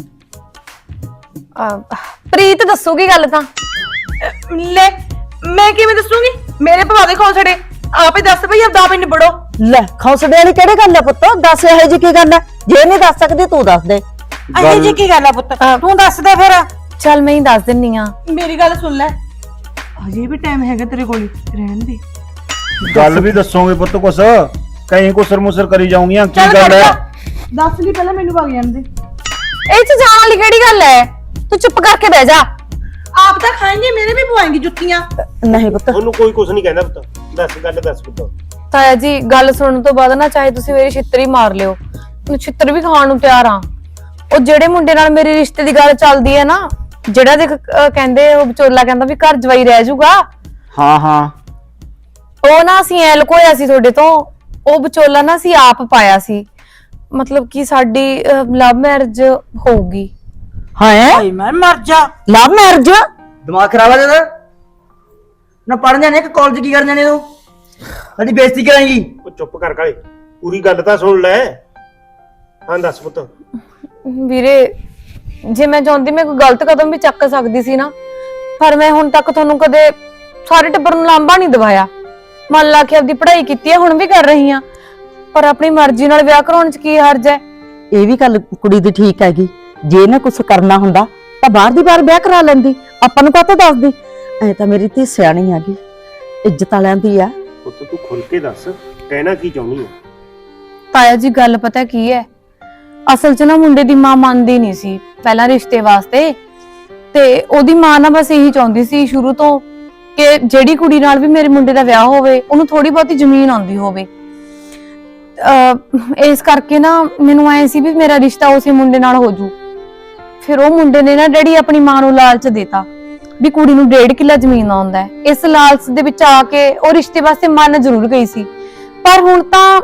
A: ਪ੍ਰੀਤ ਦੱਸੂਗੀ ਗੱਲ ਤਾਂ। ਲੈ ਮੈਂ ਕਿਵੇਂ ਦੱਸੂਗੀ, ਮੇਰੇ ਭਵਾ ਦੇ ਖੌਸੜੇ ਆਪੇ ਦੱਸ ਭਈ, ਆਪਦਾ ਆਪ ਹੀ ਨਿਬੜੋ।
E: ਲੈ ਖੌਸੜੇ ਵਾਲੀ ਕਿਹੜੀ ਗੱਲ ਆ ਪੁੱਤ, ਦੱਸ ਇਹੋ ਜੀ ਕੀ ਗੱਲ ਆ? ਜੇ ਨਹੀਂ ਦੱਸ ਸਕਦੀ ਤੂੰ ਦੱਸ ਦੇ।
G: ਇਹੋ ਜੀ ਕੀ ਗੱਲ ਆ ਪੁੱਤ, ਤੂੰ ਦੱਸ ਦੇ ਫਿਰ।
A: ਚੱਲ ਮੈਂ ਹੀ ਦੱਸ ਦਿੰਨੀ ਆ।
G: ਮੇਰੀ ਗੱਲ ਸੁਣ ਲੈ, ਹਜੇ ਵੀ ਟਾਈਮ ਹੈਗਾ ਤੇਰੇ ਕੋਲ, ਰਹਿਣ ਦੇ।
C: ਗੱਲ ਵੀ ਦੱਸੋਗੇ ਪੁੱਤ ਕੁਛ, ਕहीं ਕੁਸਰ ਮੁਸਰ ਕਰੀ ਜਾਉਂਗੀਆਂ, ਕੀ
G: ਚੱਲ
C: ਗੱਲ ਹੈ?
G: ਦੱਸ ਲਈ ਪਹਿਲਾਂ, ਮੈਨੂੰ ਵਗ ਜਾਣ ਦੇ।
A: ਇਹ ਚ ਜਾਣ ਵਾਲੀ ਕਿਹੜੀ ਗੱਲ ਹੈ, ਤੂੰ ਚੁੱਪ ਕਰਕੇ ਬਹਿ ਜਾ।
G: ਆਪ ਤਾਂ ਖਾਏਂਗੇ, ਮੇਰੇ ਵੀ ਪਵਾਏਂਗੀ ਜੁੱਤੀਆਂ।
E: ਨਹੀਂ ਪੁੱਤ,
B: ਉਹਨੂੰ ਕੋਈ ਕੁਝ ਨਹੀਂ ਕਹਿੰਦਾ ਪੁੱਤ, ਦੱਸ ਗੱਲ ਦੱਸ ਪੁੱਤ।
A: ਤਾਇਆ ਜੀ ਗੱਲ ਸੁਣਨ ਤੋਂ ਬਾਅਦ ਨਾ ਚਾਹੇ ਤੁਸੀਂ ਮੇਰੀ ਛਿੱਤਰ ਹੀ ਮਾਰ ਲਿਓ, ਮੈਂ ਛਿੱਤਰ ਵੀ ਖਾਣ ਨੂੰ ਤਿਆਰ ਆ। ਉਹ ਜਿਹੜੇ ਮੁੰਡੇ ਨਾਲ ਮੇਰੇ ਰਿਸ਼ਤੇ ਦੀ ਗੱਲ ਚੱਲਦੀ ਹੈ ਨਾ, ਜਿਹੜਾ ਦੇਖ ਕਹਿੰਦੇ ਉਹ ਵਿਚੋਲਾ ਕਹਿੰਦਾ ਵੀ ਘਰ ਜਵਾਈ ਰਹਿ ਜਾਊਗਾ,
C: ਹਾਂ ਹਾਂ,
A: ਉਹ ਨਾ ਅਸੀਂ ਐ ਲੁਕੋਇਆ ਸੀ ਤੁਹਾਡੇ ਤੋਂ। ਉਹ ਵਿਚੋਲਾ ਨਾ ਅਸੀਂ ਆਪ ਪਾਇਆ ਸੀ, ਮਤਲਬ ਕਿ ਸਾਡੀ ਲਵ ਮੈਰਿਜ ਹੋਊਗੀ।
E: ਹਾਂ
G: ਭਾਈ ਮੈਂ ਮਰ ਜਾ।
E: Love marriage?
H: ਦਿਮਾਗ ਖਰਾਬ ਆ ਤੇਰਾ ਨਾ, ਪੜ੍ਹਨ ਜਾਣੇ ਕਿ ਕਾਲਜ ਕੀ ਕਰਨ ਜਾਣੇ ਤੂੰ? ਸਾਡੀ ਬੇਇੱਜ਼ਤੀ ਕਰਾਂਗੀ।
B: ਉਹ ਚੁੱਪ ਕਰ ਕਾਲੇ, ਪੂਰੀ ਗੱਲ ਤਾਂ ਸੁਣ ਲੈ। ਹਾਂ ਦੱਸ ਪੁੱਤ।
A: ਵੀਰੇ ਜੇ ਮੈਂ ਚਾਹੁੰਦੀ ਮੈਂ ਕੋਈ ਗਲਤ ਕਦਮ ਵੀ ਚੱਕ ਸਕਦੀ ਸੀ ਨਾ, ਪਰ ਮੈਂ ਹੁਣ ਤੱਕ ਤੁਹਾਨੂੰ ਕਦੇ ਸਾਰੇ ਟੱਬਰ ਨੂੰ ਲਾਂਭਾ ਨਹੀਂ ਦਵਾਇਆ। ਮੰਨ ਲਾ ਕੇ ਆਪਦੀ ਪੜ੍ਹਾਈ ਕੀਤੀ ਹੈ, ਹੁਣ ਵੀ ਕਰ ਰਹੀ ਆ, ਪਰ ਆਪਣੀ ਮਰਜ਼ੀ ਨਾਲ ਵਿਆਹ ਕਰਾਉਣ ਚ ਕੀ ਹਰਜ ਹੈ?
E: ਇਹ ਵੀ ਗੱਲ ਕੁੜੀ ਦੀ ਠੀਕ ਹੈਗੀ, ਜੇ ਨਾ ਕੁਛ ਕਰਨਾ ਹੁੰਦਾ ਤਾਂ ਬਾਹਰ ਦੀ ਬਾਹਰ ਵਿਆਹ ਕਰਾ ਲੈਂਦੀ, ਆਪਾਂ ਨੂੰ ਕਾਹਤੋਂ ਦੱਸਦੀ? ਐ ਤਾਂ ਮੇਰੀ ਧੀ ਸਿਆਣੀ ਹੈਗੀ, ਇੱਜ਼ਤ ਵਾਲਿਆਂ ਦੀ ਆ।
B: ਪੁੱਤ ਤੂੰ ਖੁੱਲ ਕੇ ਦੱਸ, ਕਹਿਣਾ ਕੀ ਚਾਹੁੰਦੀ ਹੈ?
A: ਤਾਇਆ ਜੀ ਗੱਲ ਪਤਾ ਕੀ ਹੈ, ਅਸਲ 'ਚ ਨਾ ਮੁੰਡੇ ਦੀ ਮਾਂ ਮੰਨਦੀ ਨਹੀਂ ਸੀ ਪਹਿਲਾਂ ਰਿਸ਼ਤੇ ਵਾਸਤੇ, ਤੇ ਉਹਦੀ ਮਾਂ ਨਾ ਬਸ ਇਹੀ ਚਾਹੁੰਦੀ ਸੀ ਸ਼ੁਰੂ ਤੋਂ ਕਿ ਜਿਹੜੀ ਕੁੜੀ ਨਾਲ ਵੀ ਮੇਰੇ ਮੁੰਡੇ ਦਾ ਵਿਆਹ ਹੋਵੇ ਉਹਨੂੰ ਥੋੜੀ ਬਹੁਤੀ ਜ਼ਮੀਨ ਆਉਂਦੀ ਹੋਵੇ। ਇਸ ਕਰਕੇ ਨਾ ਮੈਨੂੰ ਐ ਸੀ ਵੀ ਮੇਰਾ ਰਿਸ਼ਤਾ ਉਸੇ ਮੁੰਡੇ ਨਾਲ ਹੋ ਜੂ। ਫਿਰ ਉਹ ਮੁੰਡੇ ਨੇ ਨਾ ਡੈਡੀ ਆਪਣੀ ਮਾਂ ਨੂੰ ਲਾਲਚ ਦੇਤਾ ਵੀ ਕੁੜੀ ਨੂੰ 1.5 ਕਿੱਲਾ ਜ਼ਮੀਨ ਆਉਂਦਾ ਹੈ। ਇਸ ਲਾਲਚ ਦੇ ਵਿੱਚ ਆ ਕੇ ਉਹ ਰਿਸ਼ਤੇ ਵਾਸਤੇ ਮੰਨ ਜ਼ਰੂਰ ਗਈ ਸੀ, ਪਰ ਹੁਣ ਤਾਂ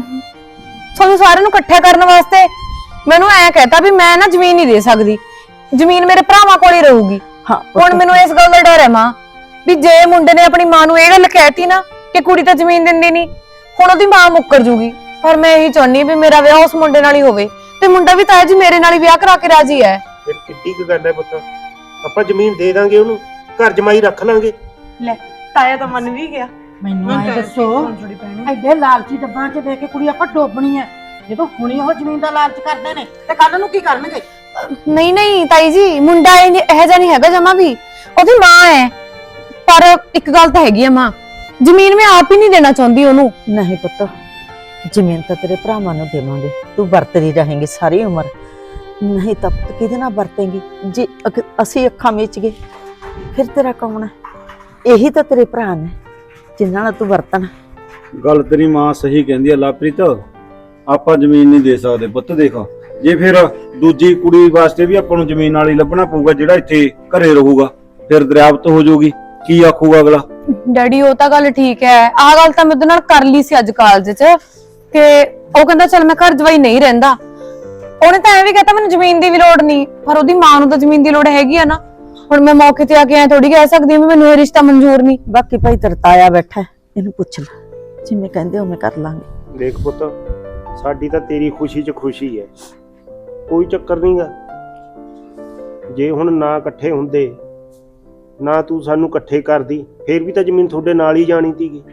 A: ਤੁਹਾਨੂੰ ਸਾਰਿਆਂ ਨੂੰ ਇਕੱਠਾ ਕਰਨ ਵਾਸਤੇ ਮੈਨੂੰ ਐ ਕਹਿਤਾ ਵੀ ਮੈਂ ਨਾ ਜ਼ਮੀਨ ਨਹੀਂ ਦੇ ਸਕਦੀ। ਜ਼ਮੀਨ ਮੇਰੇ ਭਰਾਵਾਂ ਕੋਲ ਹੀ ਰਹੂਗੀ।
E: ਹਾਂ
A: ਹੁਣ ਮੈਨੂੰ ਇਸ ਗੱਲ ਦਾ ਡਰ ਹੈ ਮਾਂ ਵੀ ਜੇ ਮੁੰਡੇ ਨੇ ਆਪਣੀ ਮਾਂ ਨੂੰ ਇਹ ਗੱਲ ਕਹਿਤੀ ਨਾ ਕਿ ਕੁੜੀ ਤਾਂ ਜ਼ਮੀਨ ਦਿੰਦੀ ਨਹੀਂ, ਹੁਣ ਉਹਦੀ ਮਾਂ ਮੁੱਕਰ ਜੂਗੀ। ਪਰ ਮੈਂ ਇਹੀ ਚਾਹੁੰਨੀ ਵੀ ਮੇਰਾ ਵਿਆਹ ਉਸ ਮੁੰਡੇ ਨਾਲ ਹੀ ਹੋਵੇ ਤੇ ਮੁੰਡਾ ਵੀ ਤਾਇਆ ਜੀ ਮੇਰੇ ਨਾਲ ਹੀ ਵਿਆਹ ਕਰਾ ਕੇ ਰਾਜੀ ਹੈ।
B: ਫਿਰ ਕਿੱਡੀ ਕੁ ਗੱਲ ਹੈ ਪੁੱਤ, ਆਪਾਂ ਜ਼ਮੀਨ ਦੇ ਦਾਂਗੇ ਉਹਨੂੰ, ਘਰ ਜਮਾਈ ਰੱਖ ਲਾਂਗੇ।
G: ਲੈ ਤਾਇਆ ਤਾਂ ਮੰਨ ਵੀ ਗਿਆ।
E: ਮੈਨੂੰ ਐ ਦੱਸੋ ਐਡੇ ਲਾਲਚੀ ਡੱਬਾਂ 'ਚ ਦੇ ਕੇ ਕੁੜੀ ਆਪਾਂ ਡੋਬਣੀ ਐ? ਜਦੋਂ ਹੁਣੀ ਉਹ ਜ਼ਮੀਨ ਦਾ ਲਾਲਚ ਕਰਦੇ ਨੇ ਤੇ ਕੱਲ ਨੂੰ ਕੀ ਕਰਨਗੇ?
A: ਨਹੀਂ ਨਹੀਂ ਤਾਈ ਜੀ, ਮੁੰਡਾ ਇਹੋ ਜਿਹਾ ਨਹੀਂ ਹੈਗਾ ਜਮਾ ਵੀ, ਉਹਦੀ ਮਾਂ ਹੈ। ਪਰ ਇੱਕ ਗੱਲ ਤਾਂ ਹੈਗੀ ਆ ਮਾਂ, ਜ਼ਮੀਨ ਮੈਂ ਆਪ ਹੀ ਨਹੀਂ ਦੇਣਾ ਚਾਹੁੰਦੀ ਉਹਨੂੰ।
E: ਨਹੀਂ ਪੁੱਤ, ਜ਼ਮੀਨ ਤਾਂ ਤੇਰੇ ਭਰਾਵਾਂ ਨੂੰ ਦੇਵਾਂਗੇ, ਤੂੰ ਵਰਤਦੀ ਰਹੇਂਗੀ ਸਾਰੀ ਉਮਰ। ਨਹੀਂ ਤਾਂ ਪੁੱਤ ਕਿਹਦੇ ਨਾਲ ਵਰਤੇਂਗੀ? ਜੇ ਅਸੀਂ ਅੱਖਾਂ ਮੀਚ ਗਏ ਫਿਰ ਤੇਰਾ ਕੌਣ ਹੈ? ਇਹੀ ਤਾਂ ਤੇਰੇ ਭਰਾ ਨੇ ਜਿਨ੍ਹਾਂ ਨਾਲ ਤੂੰ ਵਰਤਣਾ।
C: ਗੱਲ ਤੇਰੀ ਮਾਂ ਸਹੀ ਕਹਿੰਦੀ ਆ ਲਵਪ੍ਰੀਤ, ਆਪਾਂ ਜ਼ਮੀਨ ਨਹੀਂ ਦੇ ਸਕਦੇ ਪੁੱਤ। ਦੇਖ ਜੇ ਫਿਰ ਦੂਜੀ ਕੁੜੀ ਵਾਸਤੇ ਵੀ ਆਪਾਂ ਨੂੰ ਜ਼ਮੀਨ ਨਾਲ ਹੀ ਲੱਭਣਾ ਪਊਗਾ, ਜਿਹੜਾ ਇੱਥੇ ਘਰੇ ਰਹੂਗਾ ਫਿਰ ਦਰਿਆਵਤ ਹੋ ਜਾਊਗੀ, ਕੀ ਆਖੂਗਾ ਅਗਲਾ?
A: ਡੈਡੀ ਉਹ ਤਾਂ ਗੱਲ ਠੀਕ ਹੈ, ਆਹ ਗੱਲ ਤਾਂ ਮੈਂ ਉਹਦੇ ਨਾਲ ਕਰ ਲਈ ਸੀ ਅੱਜ ਕਾਲਜ 'ਚ ਕਿ ਉਹ ਕਹਿੰਦਾ ਚੱਲ ਮੈਂ ਘਰ ਜਵਾਈ ਨਹੀਂ ਰਹਿੰਦਾ। ਉਹਨੇ ਤਾਂ ਐਂ ਵੀ ਕਹਤਾ ਮੈਨੂੰ ਜ਼ਮੀਨ ਦੀ ਵੀ ਲੋੜ ਨਹੀਂ, ਪਰ ਉਹਦੀ ਮਾਂ ਨੂੰ ਤਾਂ ਜ਼ਮੀਨ ਦੀ ਲੋੜ ਹੈਗੀ ਆ ਨਾ। ਹੁਣ ਮੈਂ ਮੌਕੇ ਤੇ ਆ ਕੇ ਐ ਥੋੜੀ ਕਹਿ ਸਕਦੀ ਵੀ ਮੈਨੂੰ ਇਹ ਰਿਸ਼ਤਾ ਮਨਜ਼ੂਰ ਨਹੀਂ।
E: ਬਾਕੀ ਭਾਈ ਤੇਰਾ ਤਾਇਆ ਬੈਠਾ ਹੈ, ਇਹਨੂੰ ਪੁੱਛ ਲੈ, ਜਿਵੇਂ ਕਹਿੰਦੇ ਉਵੇਂ ਕਰ ਲਾਂਗੇ।
B: ਦੇਖ ਪੁੱਤ, ਸਾਡੀ ਤਾਂ ਤੇਰੀ ਖੁਸ਼ੀ 'ਚ ਖੁਸ਼ੀ ਹੈ, ਕੋਈ ਚੱਕਰ ਨਹੀਂਗਾ। ਜੇ ਹੁਣ ਨਾ ਇਕੱਠੇ ਹੁੰਦੇ, ਨਾ ਤੂੰ ਸਾਨੂੰ ਇਕੱਠੇ ਕਰਦੀ, ਫੇਰ ਵੀ ਤਾਂ ਜ਼ਮੀਨ ਤੁਹਾਡੇ ਨਾਲ ਹੀ ਜਾਣੀ ਸੀਗੀ।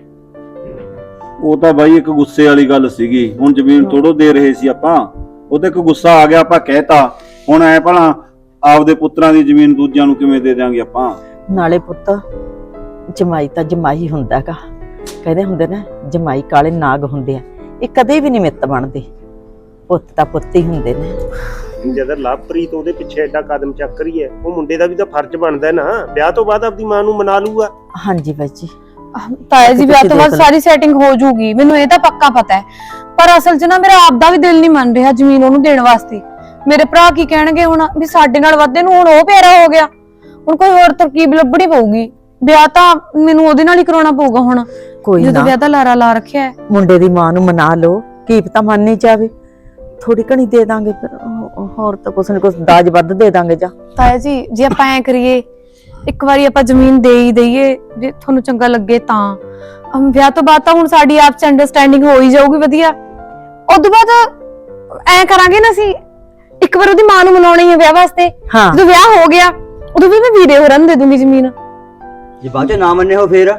C: ਉਹ ਤਾਂ ਬਾਈ ਇੱਕ ਗੁੱਸੇ ਵਾਲੀ ਗੱਲ ਸੀਗੀ, ਹੁਣ ਜ਼ਮੀਨ ਥੋੜੋ ਦੇ ਰਹੇ ਸੀ ਆਪਾਂ, ਉਹ ਤੇ ਇੱਕ ਗੁੱਸਾ ਆ ਗਿਆ, ਆਪਾਂ ਕਹਿਤਾ। ਹੁਣ ਐ ਭਲਾ ਆਪਦੇ ਪੁੱਤਰਾਂ ਦੀ ਜ਼ਮੀਨ ਦੂਜਿਆਂ ਨੂੰ ਕਿਵੇਂ ਦੇ ਦਿਆਂਗੇ ਆਪਾਂ?
E: ਨਾਲੇ ਪੁੱਤ ਜਮਾਈ ਤਾਂ ਜਮਾਈ ਹੁੰਦਾ ਹੈਗਾ, ਕਹਿੰਦੇ ਹੁੰਦੇ ਨਾ ਜਮਾਈ ਕਾਲੇ ਨਾਗ ਹੁੰਦੇ ਆ, ਇਹ ਕਦੇ ਵੀ ਨਹੀਂ ਮਿੱਤ ਬਣਦੇ। ਪੁੱਤ ਤਾਂ ਪੁੱਤ ਹੀ ਹੁੰਦੇ ਨੇ।
B: ਜਦ ਲਵਪ੍ਰੀਤ ਉਹਦੇ ਪਿੱਛੇ ਐਡਾ ਕਦਮ ਚੱਕ ਰਹੀ ਹੈ, ਉਹ ਮੁੰਡੇ ਦਾ ਵੀ ਤਾਂ ਫਰਜ਼ ਬਣਦਾ ਨਾ, ਵਿਆਹ ਤੋਂ ਬਾਅਦ ਆਪਣੀ ਮਾਂ ਨੂੰ ਮਨਾ ਲੂਗਾ।
E: ਹਾਂਜੀ ਬਾਈ ਜੀ,
A: ਤਾਇਆ ਜੀ ਵਿਆਹ ਤੋਂ ਬਾਅਦ ਸਾਰੀ ਸੈਟਿੰਗ ਹੋ ਜਾਊਗੀ, ਮੈਨੂੰ ਇਹ ਤਾਂ ਪੱਕਾ ਪਤਾ ਹੈ। ਪਰ ਅਸਲ 'ਚ ਨਾ ਮੇਰਾ ਆਪਦਾ ਵੀ ਦਿਲ ਨਹੀਂ ਮੰਨ ਰਿਹਾ ਜ਼ਮੀਨ ਉਹਨੂੰ ਦੇਣ ਵਾਸਤੇ। ਮੇਰੇ ਭਰਾ ਕੀ ਕਹਿਣਗੇ ਹੁਣ ਵੀ ਸਾਡੇ ਨਾਲ ਵਾਧੇ ਨੂੰ ਹੁਣ ਉਹ ਪਿਆਰਾ ਹੋ ਗਿਆ, ਹੁਣ ਕੋਈ ਹੋਰ ਤਰਕੀਬ ਲੱਭਣੀ ਪਊਗੀ। ਵਿਆਹ ਤਾਂ ਮੈਨੂੰ ਉਹਦੇ ਨਾਲ ਹੀ ਕਰਾਉਣਾ ਪਊਗਾ ਹੁਣ,
E: ਕੋਈ
A: ਜਦੋਂ
E: ਨਾ
A: ਵਿਆਹ ਦਾ ਲਾਰਾ ਲਾ ਰੱਖਿਆ ਹੈ।
E: ਮੁੰਡੇ ਦੀ ਮਾਂ ਨੂੰ ਮਨਾ ਲਓ, ਕੀ ਪਤਾ ਮੰਨ ਨਹੀਂ ਜਾਵੇ, ਥੋੜੀ ਘਣੀ ਦੇ ਦਾਂਗੇ, ਫਿਰ ਹੋਰ ਤਾਂ ਕੁਛ ਨਾ ਕੁਛ ਦਾਜ ਵੱਧ ਦੇ ਦਾਂਗੇ। ਜਾਂ
A: ਤਾਇਆ ਜੀ ਜੇ ਆਪਾਂ ਐ ਕਰੀਏ, ਇੱਕ ਵਾਰੀ ਆਪਾਂ ਜ਼ਮੀਨ ਦੇ ਹੀ ਦਈਏ, ਜੇ ਤੁਹਾਨੂੰ ਚੰਗਾ ਲੱਗੇ ਤਾਂ। ਵਿਆਹ ਤੋਂ ਬਾਅਦ ਤਾਂ ਹੁਣ ਸਾਡੀ ਆਪਸ ਅੰਡਰਸਟੈਂਡਿੰਗ ਹੋ ਹੀ ਜਾਊਗੀ ਵਧੀਆ। ਉਦੋਂ ਬਾਅਦ ਐ ਕਰਾਂਗੇ ਨਾ, ਅਸੀਂ ਇੱਕ ਵਾਰ ਉਹਦੀ ਮਾਂ ਨੂੰ ਮਨਾਉਣੀ ਹੈ ਵਿਆਹ ਵਾਸਤੇ।
E: ਹਾਂ
A: ਜਦੋਂ ਵਿਆਹ ਹੋ ਗਿਆ ਉਦੋਂ ਵੀ ਮੈਂ ਵੀਰੇ ਹੋਰਾਂ ਨੂੰ ਦੇ ਦੂੰਗੀ ਜ਼ਮੀਨ।
H: ਜੇ ਬਾਅਦ ਚ ਨਾ ਮੰਨੇ ਹੋ ਫੇਰ?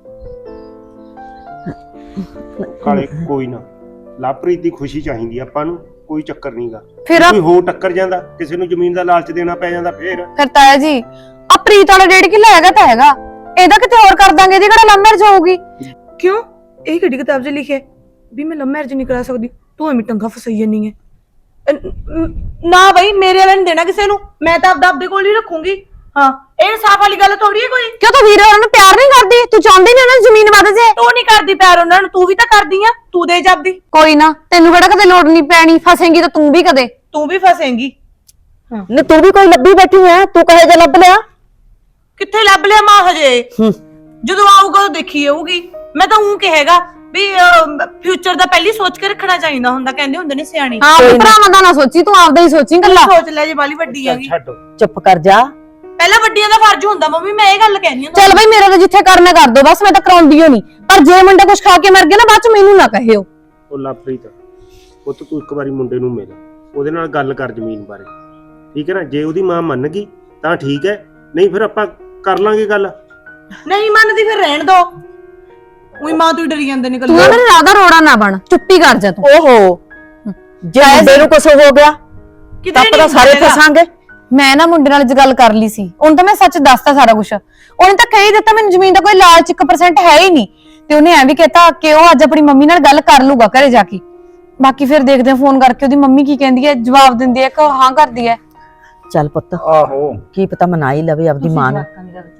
B: ਕਾਲੇ ਕੋਈ ਨਾ, ਲਵਪ੍ਰੀਤ ਦੀ ਖੁਸ਼ੀ ਚਾਹੀਦੀ ਆਪਾਂ ਨੂੰ, ਕੋਈ ਚੱਕਰ ਨਹੀਂਗਾ।
A: ਫਿਰ
B: ਕੋਈ ਹੋਰ ਟੱਕਰ ਜਾਂਦਾ, ਕਿਸੇ ਨੂੰ ਜ਼ਮੀਨ ਦਾ ਲਾਲਚ ਦੇਣਾ ਪੈ ਜਾਂਦਾ ਫਿਰ
A: ਤਾਇਆ ਜੀ ਆ ਪ੍ਰੀਤ ਵਾਲਾ 1.5 ਕਿੱਲਾ ਹੈਗਾ ਤਾਂ ਹੈਗਾ, ਇਹਦਾ ਕਿਤੇ ਹੋਰ ਕਰ ਦਾਂਗੇ, ਇਹਦੀ ਕਿਹੜਾ ਲਵ ਮੈਰਿਜ ਹੋਊਗੀ।
G: ਕਿਉਂ? ਇਹ ਕਿਹੜੀ ਕਿਤਾਬ 'ਚ ਲਿਖਿਆ ਵੀ ਮੈਂ ਲਵ ਮੈਰਿਜ ਨਹੀਂ ਕਰਾ ਸਕਦੀ? ਤੂੰ ਐਵੇਂ ਟੰਗਾ ਫਸਾਈ ਜਾਨੀ ਹੈ। ਨਾ ਬਈ, ਮੇਰੇ ਵਾਲਾ ਨਹੀਂ ਦੇਣਾ ਕਿਸੇ ਨੂੰ, ਮੈਂ ਤਾਂ ਆਪਦੇ ਕੋਲ ਹੀ ਰੱਖੂੰਗੀ। ਹਾਂ, ਇਹ ਸਾਫ ਵਾਲੀ ਗੱਲ ਥੋੜੀ ਹੈ ਕੋਈ।
A: ਕਿਉਂ ਤੂੰ ਵੀਰੇ ਹੋਰਾਂ ਨੂੰ ਪਿਆਰ ਨਹੀਂ ਕਰਦੀ? ਤੂੰ ਚਾਹੁੰਦੀ ਨਹੀਂ ਉਹਨਾਂ ਦੀ ਜ਼ਮੀਨ ਵੱਧ ਜੇ?
G: ਤੂੰ ਨਹੀਂ ਕਰਦੀ ਪਿਆਰ ਉਹਨਾਂ ਨੂੰ, ਤੂੰ ਵੀ ਤਾਂ ਕਰਦੀ ਆ, ਤੂੰ ਦੇ ਜਾਂਦੀ।
A: ਕੋਈ ਨਾ, ਤੈਨੂੰ ਕਿਹੜਾ ਕਦੇ ਲੋੜ ਨਹੀਂ ਪੈਣੀ, ਫਸੇਂਗੀ ਤਾਂ ਤੂੰ ਵੀ ਕਦੇ।
G: ਤੂੰ ਵੀ ਫਸੇਂਗੀ।
E: ਨੇ ਤੂੰ ਵੀ ਕੋਈ ਲੱਭੀ ਬੈਠੀ ਹੈ, ਤੂੰ ਕਹੇ ਜੇ ਲੱਭ ਲਿਆ?
G: ਕਿੱਥੇ ਲੱਭ ਲਿਆ ਮਾਂ ਹਜੇ? ਜਦੋਂ ਆਊਗਾ ਉਹ ਦੇਖੀ ਜਾਊਗੀ। ਮੈਂ ਤਾਂ ਉਹ ਕਹੇਗਾ ਵੀ ਫਿਊਚਰ ਦਾ ਪਹਿਲੀ ਸੋਚ ਕੇ ਰੱਖਣਾ ਚਾਹੀਦਾ ਹੁੰਦਾ, ਕਹਿੰਦੇ ਹੁੰਦੇ ਨੇ ਸਿਆਣੇ।
A: ਹਾਂ, ਭਰਾਵਾਂ ਦਾ ਨਾ ਸੋਚੀ, ਤੂੰ ਆਪਦਾ ਹੀ ਸੋਚੀ ਗੱਲਾਂ।
G: ਸੋਚ ਲੈ ਜੇ ਬਾਲੀ ਵੱਡੀ ਹੈਗੀ।
B: ਛੱਡ।
E: ਚੁੱਪ ਕਰ ਜਾ।
G: ਪਹਿਲਾਂ ਵੱਡੀਆਂ ਦਾ ਫਰਜ਼ ਹੁੰਦਾ ਮੰਮੀ, ਮੈਂ ਇਹ ਗੱਲ ਕਹਿੰਦੀ ਹਾਂ।
A: ਚੱਲ ਬਈ, ਮੇਰਾ ਤਾਂ ਜਿੱਥੇ ਕਰਨਾ ਕਰ ਦੋ ਬਸ, ਮੈਂ ਤਾਂ ਕਰਾਉਂਦੀ ਓ ਨਹੀਂ। ਪਰ ਜੇ ਮੁੰਡਾ ਕੁਝ ਖਾ ਕੇ ਮਰ ਗਿਆ ਨਾ, ਬਾਅਦ ਚ ਮੈਨੂੰ ਨਾ ਕਹਿਓ।
B: ਉਹ ਲਵਪ੍ਰੀਤ, ਉਹ ਤੂੰ ਇੱਕ ਵਾਰੀ ਮੁੰਡੇ ਨੂੰ ਮਿਲ, ਉਹਦੇ ਨਾਲ ਗੱਲ ਕਰ ਜ਼ਮੀਨ ਬਾਰੇ, ਠੀਕ ਹੈ ਨਾ? ਜੇ ਉਹਦੀ ਮਾਂ ਮੰਨ ਗਈ ਤਾਂ ਠੀਕ ਹੈ, ਨਹੀਂ ਫਿਰ ਆਪਾਂ ਕਰ ਲਾਂਗੇ ਗੱਲ।
G: ਨਹੀਂ ਮੰਨਦੀ ਫਿਰ ਰਹਿਣ ਦੋ। ਉਹੀ ਮਾਂ ਤੂੰ ਡਰੀ ਜਾਂਦੇ ਨੇ
A: ਤੂੰ
G: ਗੱਲਾਂ।
A: ਮੇਰੇ ਰਾਦਾ ਰੋੜਾ ਨਾ ਬਣ, ਚੁੱਪੀ ਕਰ ਜਾ ਤੂੰ।
E: ਓਹੋ, ਜੇ ਮੁੰਡੇ ਨੂੰ ਕੁਛ ਹੋ ਗਿਆ ਤਾਂ ਆਪਾਂ ਸਾਰੇ ਫਸਾਂਗੇ।
A: ਮੈਂ ਨਾ ਮੁੰਡੇ ਨਾਲ ਗੱਲ ਕਰ ਲਈ ਸੀ, ਉਹਨੂੰ ਤਾਂ ਮੈਂ ਸੱਚ ਦੱਸਤਾ ਸਾਰਾ ਕੁਝ। ਉਹਨੇ ਤਾਂ ਕਹੀ ਦਿੱਤਾ ਮੈਨੂੰ ਜ਼ਮੀਨ ਦਾ ਕੋਈ ਲਾਲਚ 1% ਹੈ ਹੀ ਨਹੀਂ, ਤੇ ਉਹਨੇ ਐ ਵੀ ਕਹਿਤਾ ਕਿ ਉਹ ਅੱਜ ਆਪਣੀ ਮੰਮੀ ਨਾਲ ਗੱਲ ਕਰ ਲੂਗਾ ਘਰੇ ਜਾ ਕੇ। ਬਾਕੀ ਫਿਰ ਦੇਖਦੇ ਹਾਂ ਫੋਨ ਕਰਕੇ ਉਹਦੀ ਮੰਮੀ ਕੀ ਕਹਿੰਦੀ ਹੈ, ਜਵਾਬ ਦਿੰਦੀ ਹੈ ਕਿ ਹਾਂ ਕਰਦੀ ਹੈ।
E: ਚੱਲ ਪੁੱਤ,
C: ਆਹੋ
E: ਕੀ ਪਤਾ ਮਨਾ ਹੀ ਲਵੇ ਆਪਦੀ ਮਾਂ ਨੂੰ।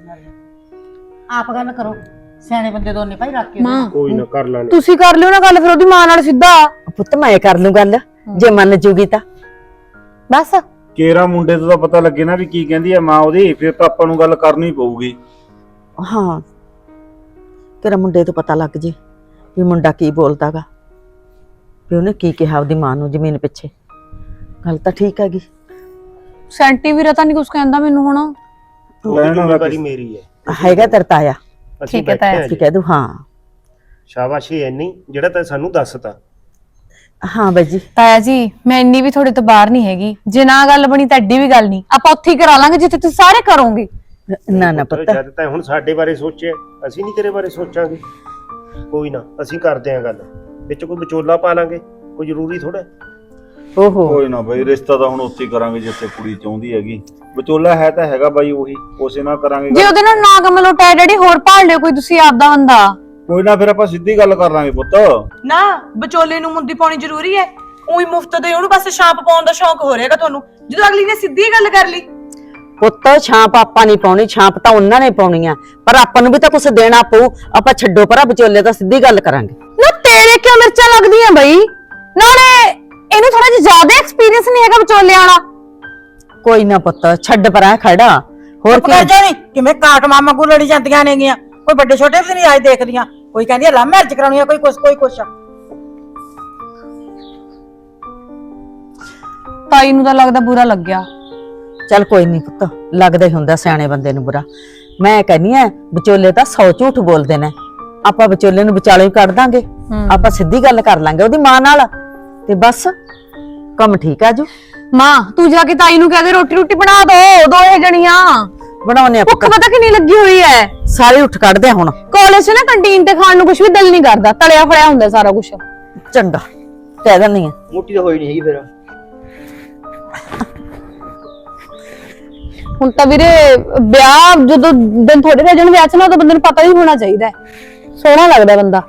I: ਆਪ ਗੱਲ ਕਰੋ, ਸਿਆਣੇ ਬੰਦੇ ਦੋਨੇ ਭਾਈ ਰੱਖ ਕੇ।
A: ਮਾਂ
B: ਕੋਈ ਨਾ ਕਰ ਲਾਂਗੇ।
A: ਤੁਸੀਂ ਕਰ ਲਿਓ ਨਾ ਗੱਲ ਫਿਰ ਉਹਦੀ ਮਾਂ ਨਾਲ ਸਿੱਧਾ।
E: ਪੁੱਤ ਮੈਂ ਕਰ ਲੂੰ ਗੱਲ, ਜੇ ਮੰਨ ਜੂਗੀ ਤਾਂ
A: ਬਸ
C: ਕੇਰਾ ਮੁੰਡੇ ਤੋਂ ਤਾਂ ਪਤਾ ਲੱਗੇ ਨਾ ਵੀ ਕੀ ਕਹਿੰਦੀ ਆ ਮਾਂ ਉਹਦੀ, ਫਿਰ ਤਾਂ ਆਪਾਂ ਨੂੰ ਗੱਲ ਕਰਨੀ ਪਊਗੀ।
E: ਹਾਂ, ਤੇਰਾ ਮੁੰਡੇ ਤੋਂ ਪਤਾ ਲੱਗ ਜੇ ਵੀ ਮੁੰਡਾ ਕੀ ਬੋਲਦਾਗਾ, ਵੀ ਉਹਨੇ ਕੀ ਕਿਹਾ ਉਹਦੀ ਮਾਂ ਨੂੰ ਜ਼ਮੀਨ ਪਿੱਛੇ। ਗੱਲ ਤਾਂ ਠੀਕ ਹੈਗੀ,
A: ਸੈਂਟੀ ਵੀਰਾ ਤਾਂ ਨਹੀਂ ਕੁਝ ਕਹਿੰਦਾ ਮੈਨੂੰ ਹੁਣ।
B: ਲੈਣ ਜ਼ਿੰਮੇਵਾਰੀ ਮੇਰੀ ਹੈ।
E: ਹੈਗਾ ਤੇਰਾ ਤਾਇਆ,
B: ਅਸੀਂ
A: ਠੀਕ ਹੈ
B: ਬੈਠੇ
A: ਤਾਇਆ
B: ਹਾਂ
E: ਕੀ
B: ਜੀ।
E: ਕਹਿ ਦੂ? ਹਾਂ
B: ਸ਼ਾਬਾਸ਼ੀ ਐਨੀ ਜਿਹੜਾ ਤੈਂ ਸਾਨੂੰ ਦੱਸਤਾ।
E: ਹਾਂ ਬਾਈ ਜੀ।
A: ਤਾਇਆ ਜੀ ਮੈਂ ਇੰਨੀ ਵੀ ਤੁਹਾਡੇ ਤੋਂ ਬਾਹਰ ਨਹੀਂ ਹੈਗੀ, ਜੇ ਨਾ ਗੱਲ ਬਣੀ ਤਾਂ ਐਡੀ ਵੀ ਗੱਲ ਨਹੀਂ, ਆਪਾਂ ਉੱਥੇ ਹੀ ਕਰਾ ਲਾਂਗੇ ਜਿੱਥੇ ਤੁਸੀਂ ਸਾਰੇ ਕਰੋਗੇ।
E: ਨਾ ਪੁੱਤ,
B: ਜਦ ਤੈਂ ਹੁਣ ਸਾਡੇ ਬਾਰੇ ਸੋਚਿਆ, ਅਸੀਂ ਨਹੀਂ ਤੇਰੇ ਬਾਰੇ ਸੋਚਾਂਗੇ। ਕੋਈ ਨਾ, ਅਸੀਂ ਕਰਦੇ ਆਂ ਗੱਲ, ਵਿੱਚ ਕੋਈ ਵਿਚੋਲਾ ਪਾ ਲਾਂਗੇ, ਕੋਈ ਜ਼ਰੂਰੀ ਥੋੜਾ।
E: ਓਹੋ
C: ਕੋਈ ਨਾ ਬਾਈ, ਰਿਸ਼ਤਾ ਤਾਂ ਹੁਣ ਉੱਥੇ ਹੀ ਕਰਾਂਗੇ ਜਿੱਥੇ ਕੁੜੀ ਚਾਹੁੰਦੀ ਹੈਗੀ। ਵਿਚੋਲਾ ਹੈ ਤਾਂ ਹੈਗਾ ਬਾਈ ਉਹੀ, ਉਸੇ ਨਾਲ ਕਰਾਂਗੇ
A: ਜੇ
C: ਗੱਲ।
A: ਉਹਦੇ ਨਾਲ ਨਾ ਕਮਲ ਉਟਾਇਆ ਡੈਡੀ, ਹੋਰ ਭਾਲ ਲਿਓ ਕੋਈ ਤੁਸੀਂ ਆਪਦਾ ਬੰਦਾ।
C: ਕੋਈ ਨਾ, ਫਿਰ ਆਪਾਂ ਸਿੱਧੀ ਗੱਲ ਕਰ ਲਾਂਗੇ ਪੁੱਤ।
G: ਨਾ ਵਿਚੋਲੇ ਨੂੰ ਮੁੰਦੀ ਪਾਉਣੀ ਜ਼ਰੂਰੀ ਹੈ? ਉਹੀ ਮੁਫਤ ਦੇ ਉਹਨੂੰ ਬਸ ਛਾਪ ਪਾਉਣ ਦਾ ਸ਼ੌਂਕ ਹੋ ਰਿਹਾਗਾ ਤੁਹਾਨੂੰ, ਜਦੋਂ ਅਗਲੀ ਨੇ ਸਿੱਧੀ ਗੱਲ ਕਰ ਲਈ।
E: ਪੁੱਤ ਛਾਂਪ ਆਪਾਂ ਨਹੀਂ ਪਾਉਣੀ, ਛਾਂਪ ਤਾਂ ਉਹਨਾਂ ਨੇ ਪਾਉਣੀ ਆ, ਪਰ ਆਪਾਂ ਨੂੰ ਵੀ ਤਾਂ ਕੁਝ ਦੇਣਾ ਪਊ। ਆਪਾਂ ਛੱਡੋ ਪਰਾਂ, ਵਿਚੋਲੇ ਤਾਂ ਸਿੱਧੀ ਗੱਲ ਕਰਾਂਗੇ।
A: ਨਾ ਤੇਰੇ ਕਿਉਂ ਮਿਰਚਾਂ ਲੱਗਦੀਆਂ ਬਈ? ਨਾਲੇ ਇਹਨੂੰ ਥੋੜਾ ਜਿਹਾ ਜ਼ਿਆਦਾ ਐਕਸਪੀਰੀਅੰਸ ਨਹੀਂ ਹੈਗਾ ਵਿਚੋਲਿਆਂ ਵਾਲਾ।
E: ਕੋਈ ਨਾ ਪੁੱਤ, ਛੱਡ ਪਰਾਂ ਖੜਾ। ਹੋਰ ਕੀ
I: ਜਾਣੀ ਕਿਵੇਂ ਕਾਟ ਮਾਮਾ ਕੋ ਲੜੀ ਜਾਂਦੀਆਂ ਨੇਗੀਆਂ, ਕੋਈ ਵੱਡੇ ਛੋਟੇ ਵੀ ਨਹੀਂ ਆਏ ਦੇਖਦੀਆਂ, ਕੋਈ ਕਹਿੰਦੀ ਹੈ ਲਵ ਮੈਰਿਜ ਕਰਾਉਣੀ ਆ, ਕੋਈ ਕੁਛ।
A: ਤਾਈ ਨੂੰ ਤਾਂ ਲੱਗਦਾ ਬੁਰਾ ਲੱਗਿਆ।
E: ਚੱਲ ਕੋਈ ਨਹੀਂ ਪੁੱਤ, ਲੱਗਦਾ ਹੀ ਹੁੰਦਾ ਸਿਆਣੇ ਬੰਦੇ ਨੂੰ ਬੁਰਾ। ਮੈਂ ਕਹਿੰਨੀ ਆ ਵਿਚੋਲੇ ਤਾਂ 100 ਝੂਠ ਬੋਲਦੇ ਨੇ, ਆਪਾਂ ਵਿਚੋਲੇ ਨੂੰ ਵਿਚਾਲੇ ਹੀ ਕੱਢ ਦਾਂਗੇ। ਆਪਾਂ ਸਿੱਧੀ ਗੱਲ ਕਰ ਲਾਂਗੇ ਉਹਦੀ ਮਾਂ ਨਾਲ, ਤੇ ਬਸ ਕੰਮ ਠੀਕ ਆ ਜੂ।
A: ਮਾਂ ਤੂੰ ਜਾ ਕੇ ਤਾਈ ਨੂੰ ਕਹਿ ਦੇ ਰੋਟੀ ਰੋਟੀ ਬਣਾ ਦੋ, ਦੋਏ ਜਣੀਆਂ
E: ਬਣਾਉਣੇ ਆ
A: ਭੁੱਖ ਪਤਾ ਕਿੰਨੀ ਲੱਗੀ ਹੋਈ ਐ।
E: ਸਾਰੇ ਉੱਠ ਕੱਢਦੇ ਆ ਹੁਣ।
A: ਕਾਲਜ 'ਚ ਨਾ ਕੰਟੀਨ ਤੇ ਖਾਣ ਨੂੰ ਕੁਝ ਵੀ ਦਿਲ ਨਹੀਂ ਕਰਦਾ, ਤਲਿਆ ਫੜਿਆ ਹੁੰਦਾ ਸਾਰਾ ਕੁਝ।
E: ਚੰਗਾ ਕਹਿ ਦਿੰਨੀ ਆ।
H: ਮੋਟੀ ਤਾਂ ਹੋਈ ਨਹੀਂ ਹੈਗੀ ਫਿਰ।
A: ਹੁਣ ਤਾਂ ਵੀਰੇ ਵਿਆਹ ਜਦੋਂ ਦਿਨ ਥੋੜੇ ਰਹਿ ਜਾਣ ਵਿਆਹ 'ਚ ਨਾ, ਉਦੋਂ ਬੰਦੇ ਨੂੰ ਪਤਾ ਹੀ ਹੋਣਾ ਚਾਹੀਦਾ, ਸੋਹਣਾ ਲੱਗਦਾ ਬੰਦਾ।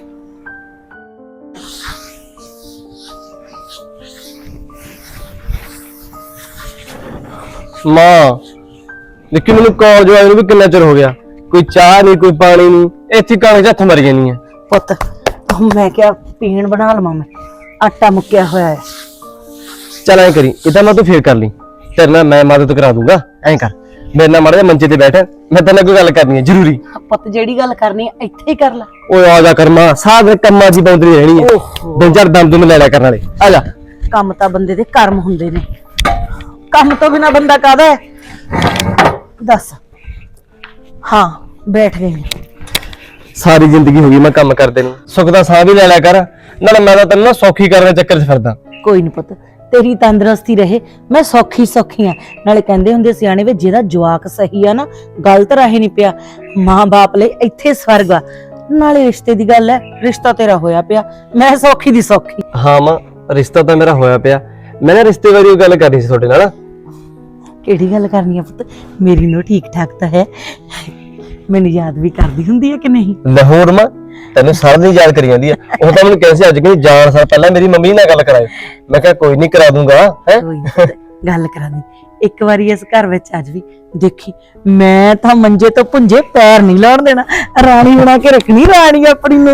F: ਮਾਂ ਦੇਖੀ ਮੈਨੂੰ ਕਾਲਜ ਆਏ ਨੂੰ ਵੀ ਕਿੰਨਾ ਚਿਰ ਹੋ ਗਿਆ, ਕੋਈ ਚਾਹ ਨਹੀਂ ਕੋਈ ਪਾਣੀ ਨਹੀਂ, ਇੱਥੇ ਕਾਲਜ ਹੱਥ ਮਰ ਜਾਨੀ ਆ।
E: ਪੁੱਤ ਮੈਂ ਕਿਹਾ ਪੀਣ ਬਣਾ ਲਵਾਂ, ਮੈਂ ਆਟਾ ਮੁੱਕਿਆ ਹੋਇਆ ਹੈ।
F: ਚੱਲ ਐ ਕਰੀ, ਇਦਾਂ ਮੈਂ ਤੂੰ ਫੇਰ ਕਰ ਲਈ, ਤੇਰੇ ਨਾਲ ਮੈਂ ਮਦਦ ਕਰਾ ਦੂੰਗਾ। ਐਂ ਕਰ, ਮੇਰੇ ਨਾਲ ਮਾੜਾ ਜਿਹਾ ਮੰਜੇ ਤੇ ਬੈਠ, ਮੈਂ ਤੇਰੇ ਨਾਲ ਕੋਈ ਗੱਲ ਕਰਨੀ ਹੈ ਜ਼ਰੂਰੀ।
E: ਪੁੱਤ ਜਿਹੜੀ ਗੱਲ ਕਰਨੀ ਹੈ ਇੱਥੇ ਹੀ ਕਰ ਲੈ।
F: ਓਏ ਆ ਜਾ ਕਰ ਮਾਂ, ਸਾਰੇ ਕੰਮਾਂ 'ਚ ਬੌਂਦਰੀ ਰਹਿਣੀ ਹੈ, ਦਿਨ ਚਾਰ ਦਮ ਦੁਮ ਲੈ ਲਿਆ ਕਰਨ ਵਾਲੇ। ਆ ਜਾ।
E: ਕੰਮ ਤਾਂ ਬੰਦੇ ਦੇ ਕਰਮ ਹੁੰਦੇ ਨੇ, ਕੰਮ ਤੋਂ ਬਿਨਾ ਬੰਦਾ ਕਾਹਦਾ ਹੈ? ਦੱਸ। ਹਾਂ ਬੈਠ ਗਈ ਮੈਂ।
F: ਸਾਰੀ ਜ਼ਿੰਦਗੀ ਹੋ ਗਈ ਮੈਂ ਕੰਮ ਕਰਦੇ ਨੂੰ, ਸੁੱਖ ਦਾ ਸਾਹ ਵੀ ਲੈ ਲਿਆ ਕਰ, ਨਾਲੇ ਮੈਂ ਤਾਂ ਤੈਨੂੰ ਨਾ ਸੌਖੀ ਕਰਨ ਦੇ ਚੱਕਰ 'ਚ ਫਿਰਦਾ।
E: ਕੋਈ ਨਹੀਂ ਪੁੱਤ, ਤੇਰੀ ਤੰਦਰੁਸਤੀ ਰਹੇ, ਮੈਂ ਸੌਖੀ ਆ। ਨਾਲੇ ਕਹਿੰਦੇ ਹੁੰਦੇ ਸਿਆਣੇ ਵੇ, ਜਿਹਦਾ ਜਵਾਕ ਸਹੀ ਆ ਨਾ, ਗਲਤ ਰਾਹੇ ਨਹੀਂ ਪਿਆ, ਮਾਂ ਬਾਪ ਲਈ ਇੱਥੇ ਸਵਰਗ ਆ। ਨਾਲੇ ਰਿਸ਼ਤੇ ਦੀ ਗੱਲ ਹੈ, ਰਿਸ਼ਤਾ ਤੇਰਾ ਹੋਇਆ ਪਿਆ, ਮੈਂ ਸੌਖੀ ਦੀ ਸੌਖੀ।
F: ਹਾਂ ਮਾਂ, ਰਿਸ਼ਤਾ ਤਾਂ ਮੇਰਾ ਹੋਇਆ ਪਿਆ। ਮੈਂ ਨਾ ਰਿਸ਼ਤੇ ਬਾਰੇ ਗੱਲ ਕਰਨੀ ਸੀ ਤੁਹਾਡੇ ਨਾਲ।
E: ਕਿਹੜੀ ਗੱਲ ਕਰਨੀ ਆ ਪੁੱਤ? ਮੇਰੀ ਨੂੰ ਠੀਕ ਠਾਕ ਤਾਂ ਹੈ, ਮੈਨੂੰ ਯਾਦ ਵੀ ਕਰਦੀ ਹੁੰਦੀ ਹੈ ਕਿ ਨਹੀਂ?
F: ਲਾਹੌਰ ਮਾਂ ਤੈਨੂੰ ਸਾਰਾ ਦਿਨ ਯਾਦ ਕਰੀ ਜਾਂਦੀ ਆ। ਉਹ ਤਾਂ ਮੈਨੂੰ ਕਹਿੰਦੀ ਅੱਜ ਕਿ ਜਾਣ ਸਾਰ ਪਹਿਲਾਂ ਮੇਰੀ ਮੰਮੀ ਨਾਲ ਗੱਲ ਕਰਾਏ। ਮੈਂ ਕਿਹਾ ਕੋਈ ਨਹੀਂ ਕਰਾ ਦੂੰਗਾ। ਹੈ
E: ਕੋਈ ਨੀ ਪੁੱਤ, ਗੱਲ ਕਰਾ ਦੇ ਇੱਕ ਵਾਰੀ ਇਸ ਘਰ ਵਿੱਚ ਅੱਜ ਵੀ। ਦੇਖੀ ਮੈਂ ਤਾਂ ਮੰਜੇ ਤੋਂ ਪੁੰਜੇ ਪੈਰ ਨਹੀਂ ਲਾਉਣ ਦੇਣਾ, ਰਾਣੀ ਬਣਾ ਕੇ ਰੱਖਣੀ ਰਾਣੀ ਆਪਣੀ ਨੂੰ।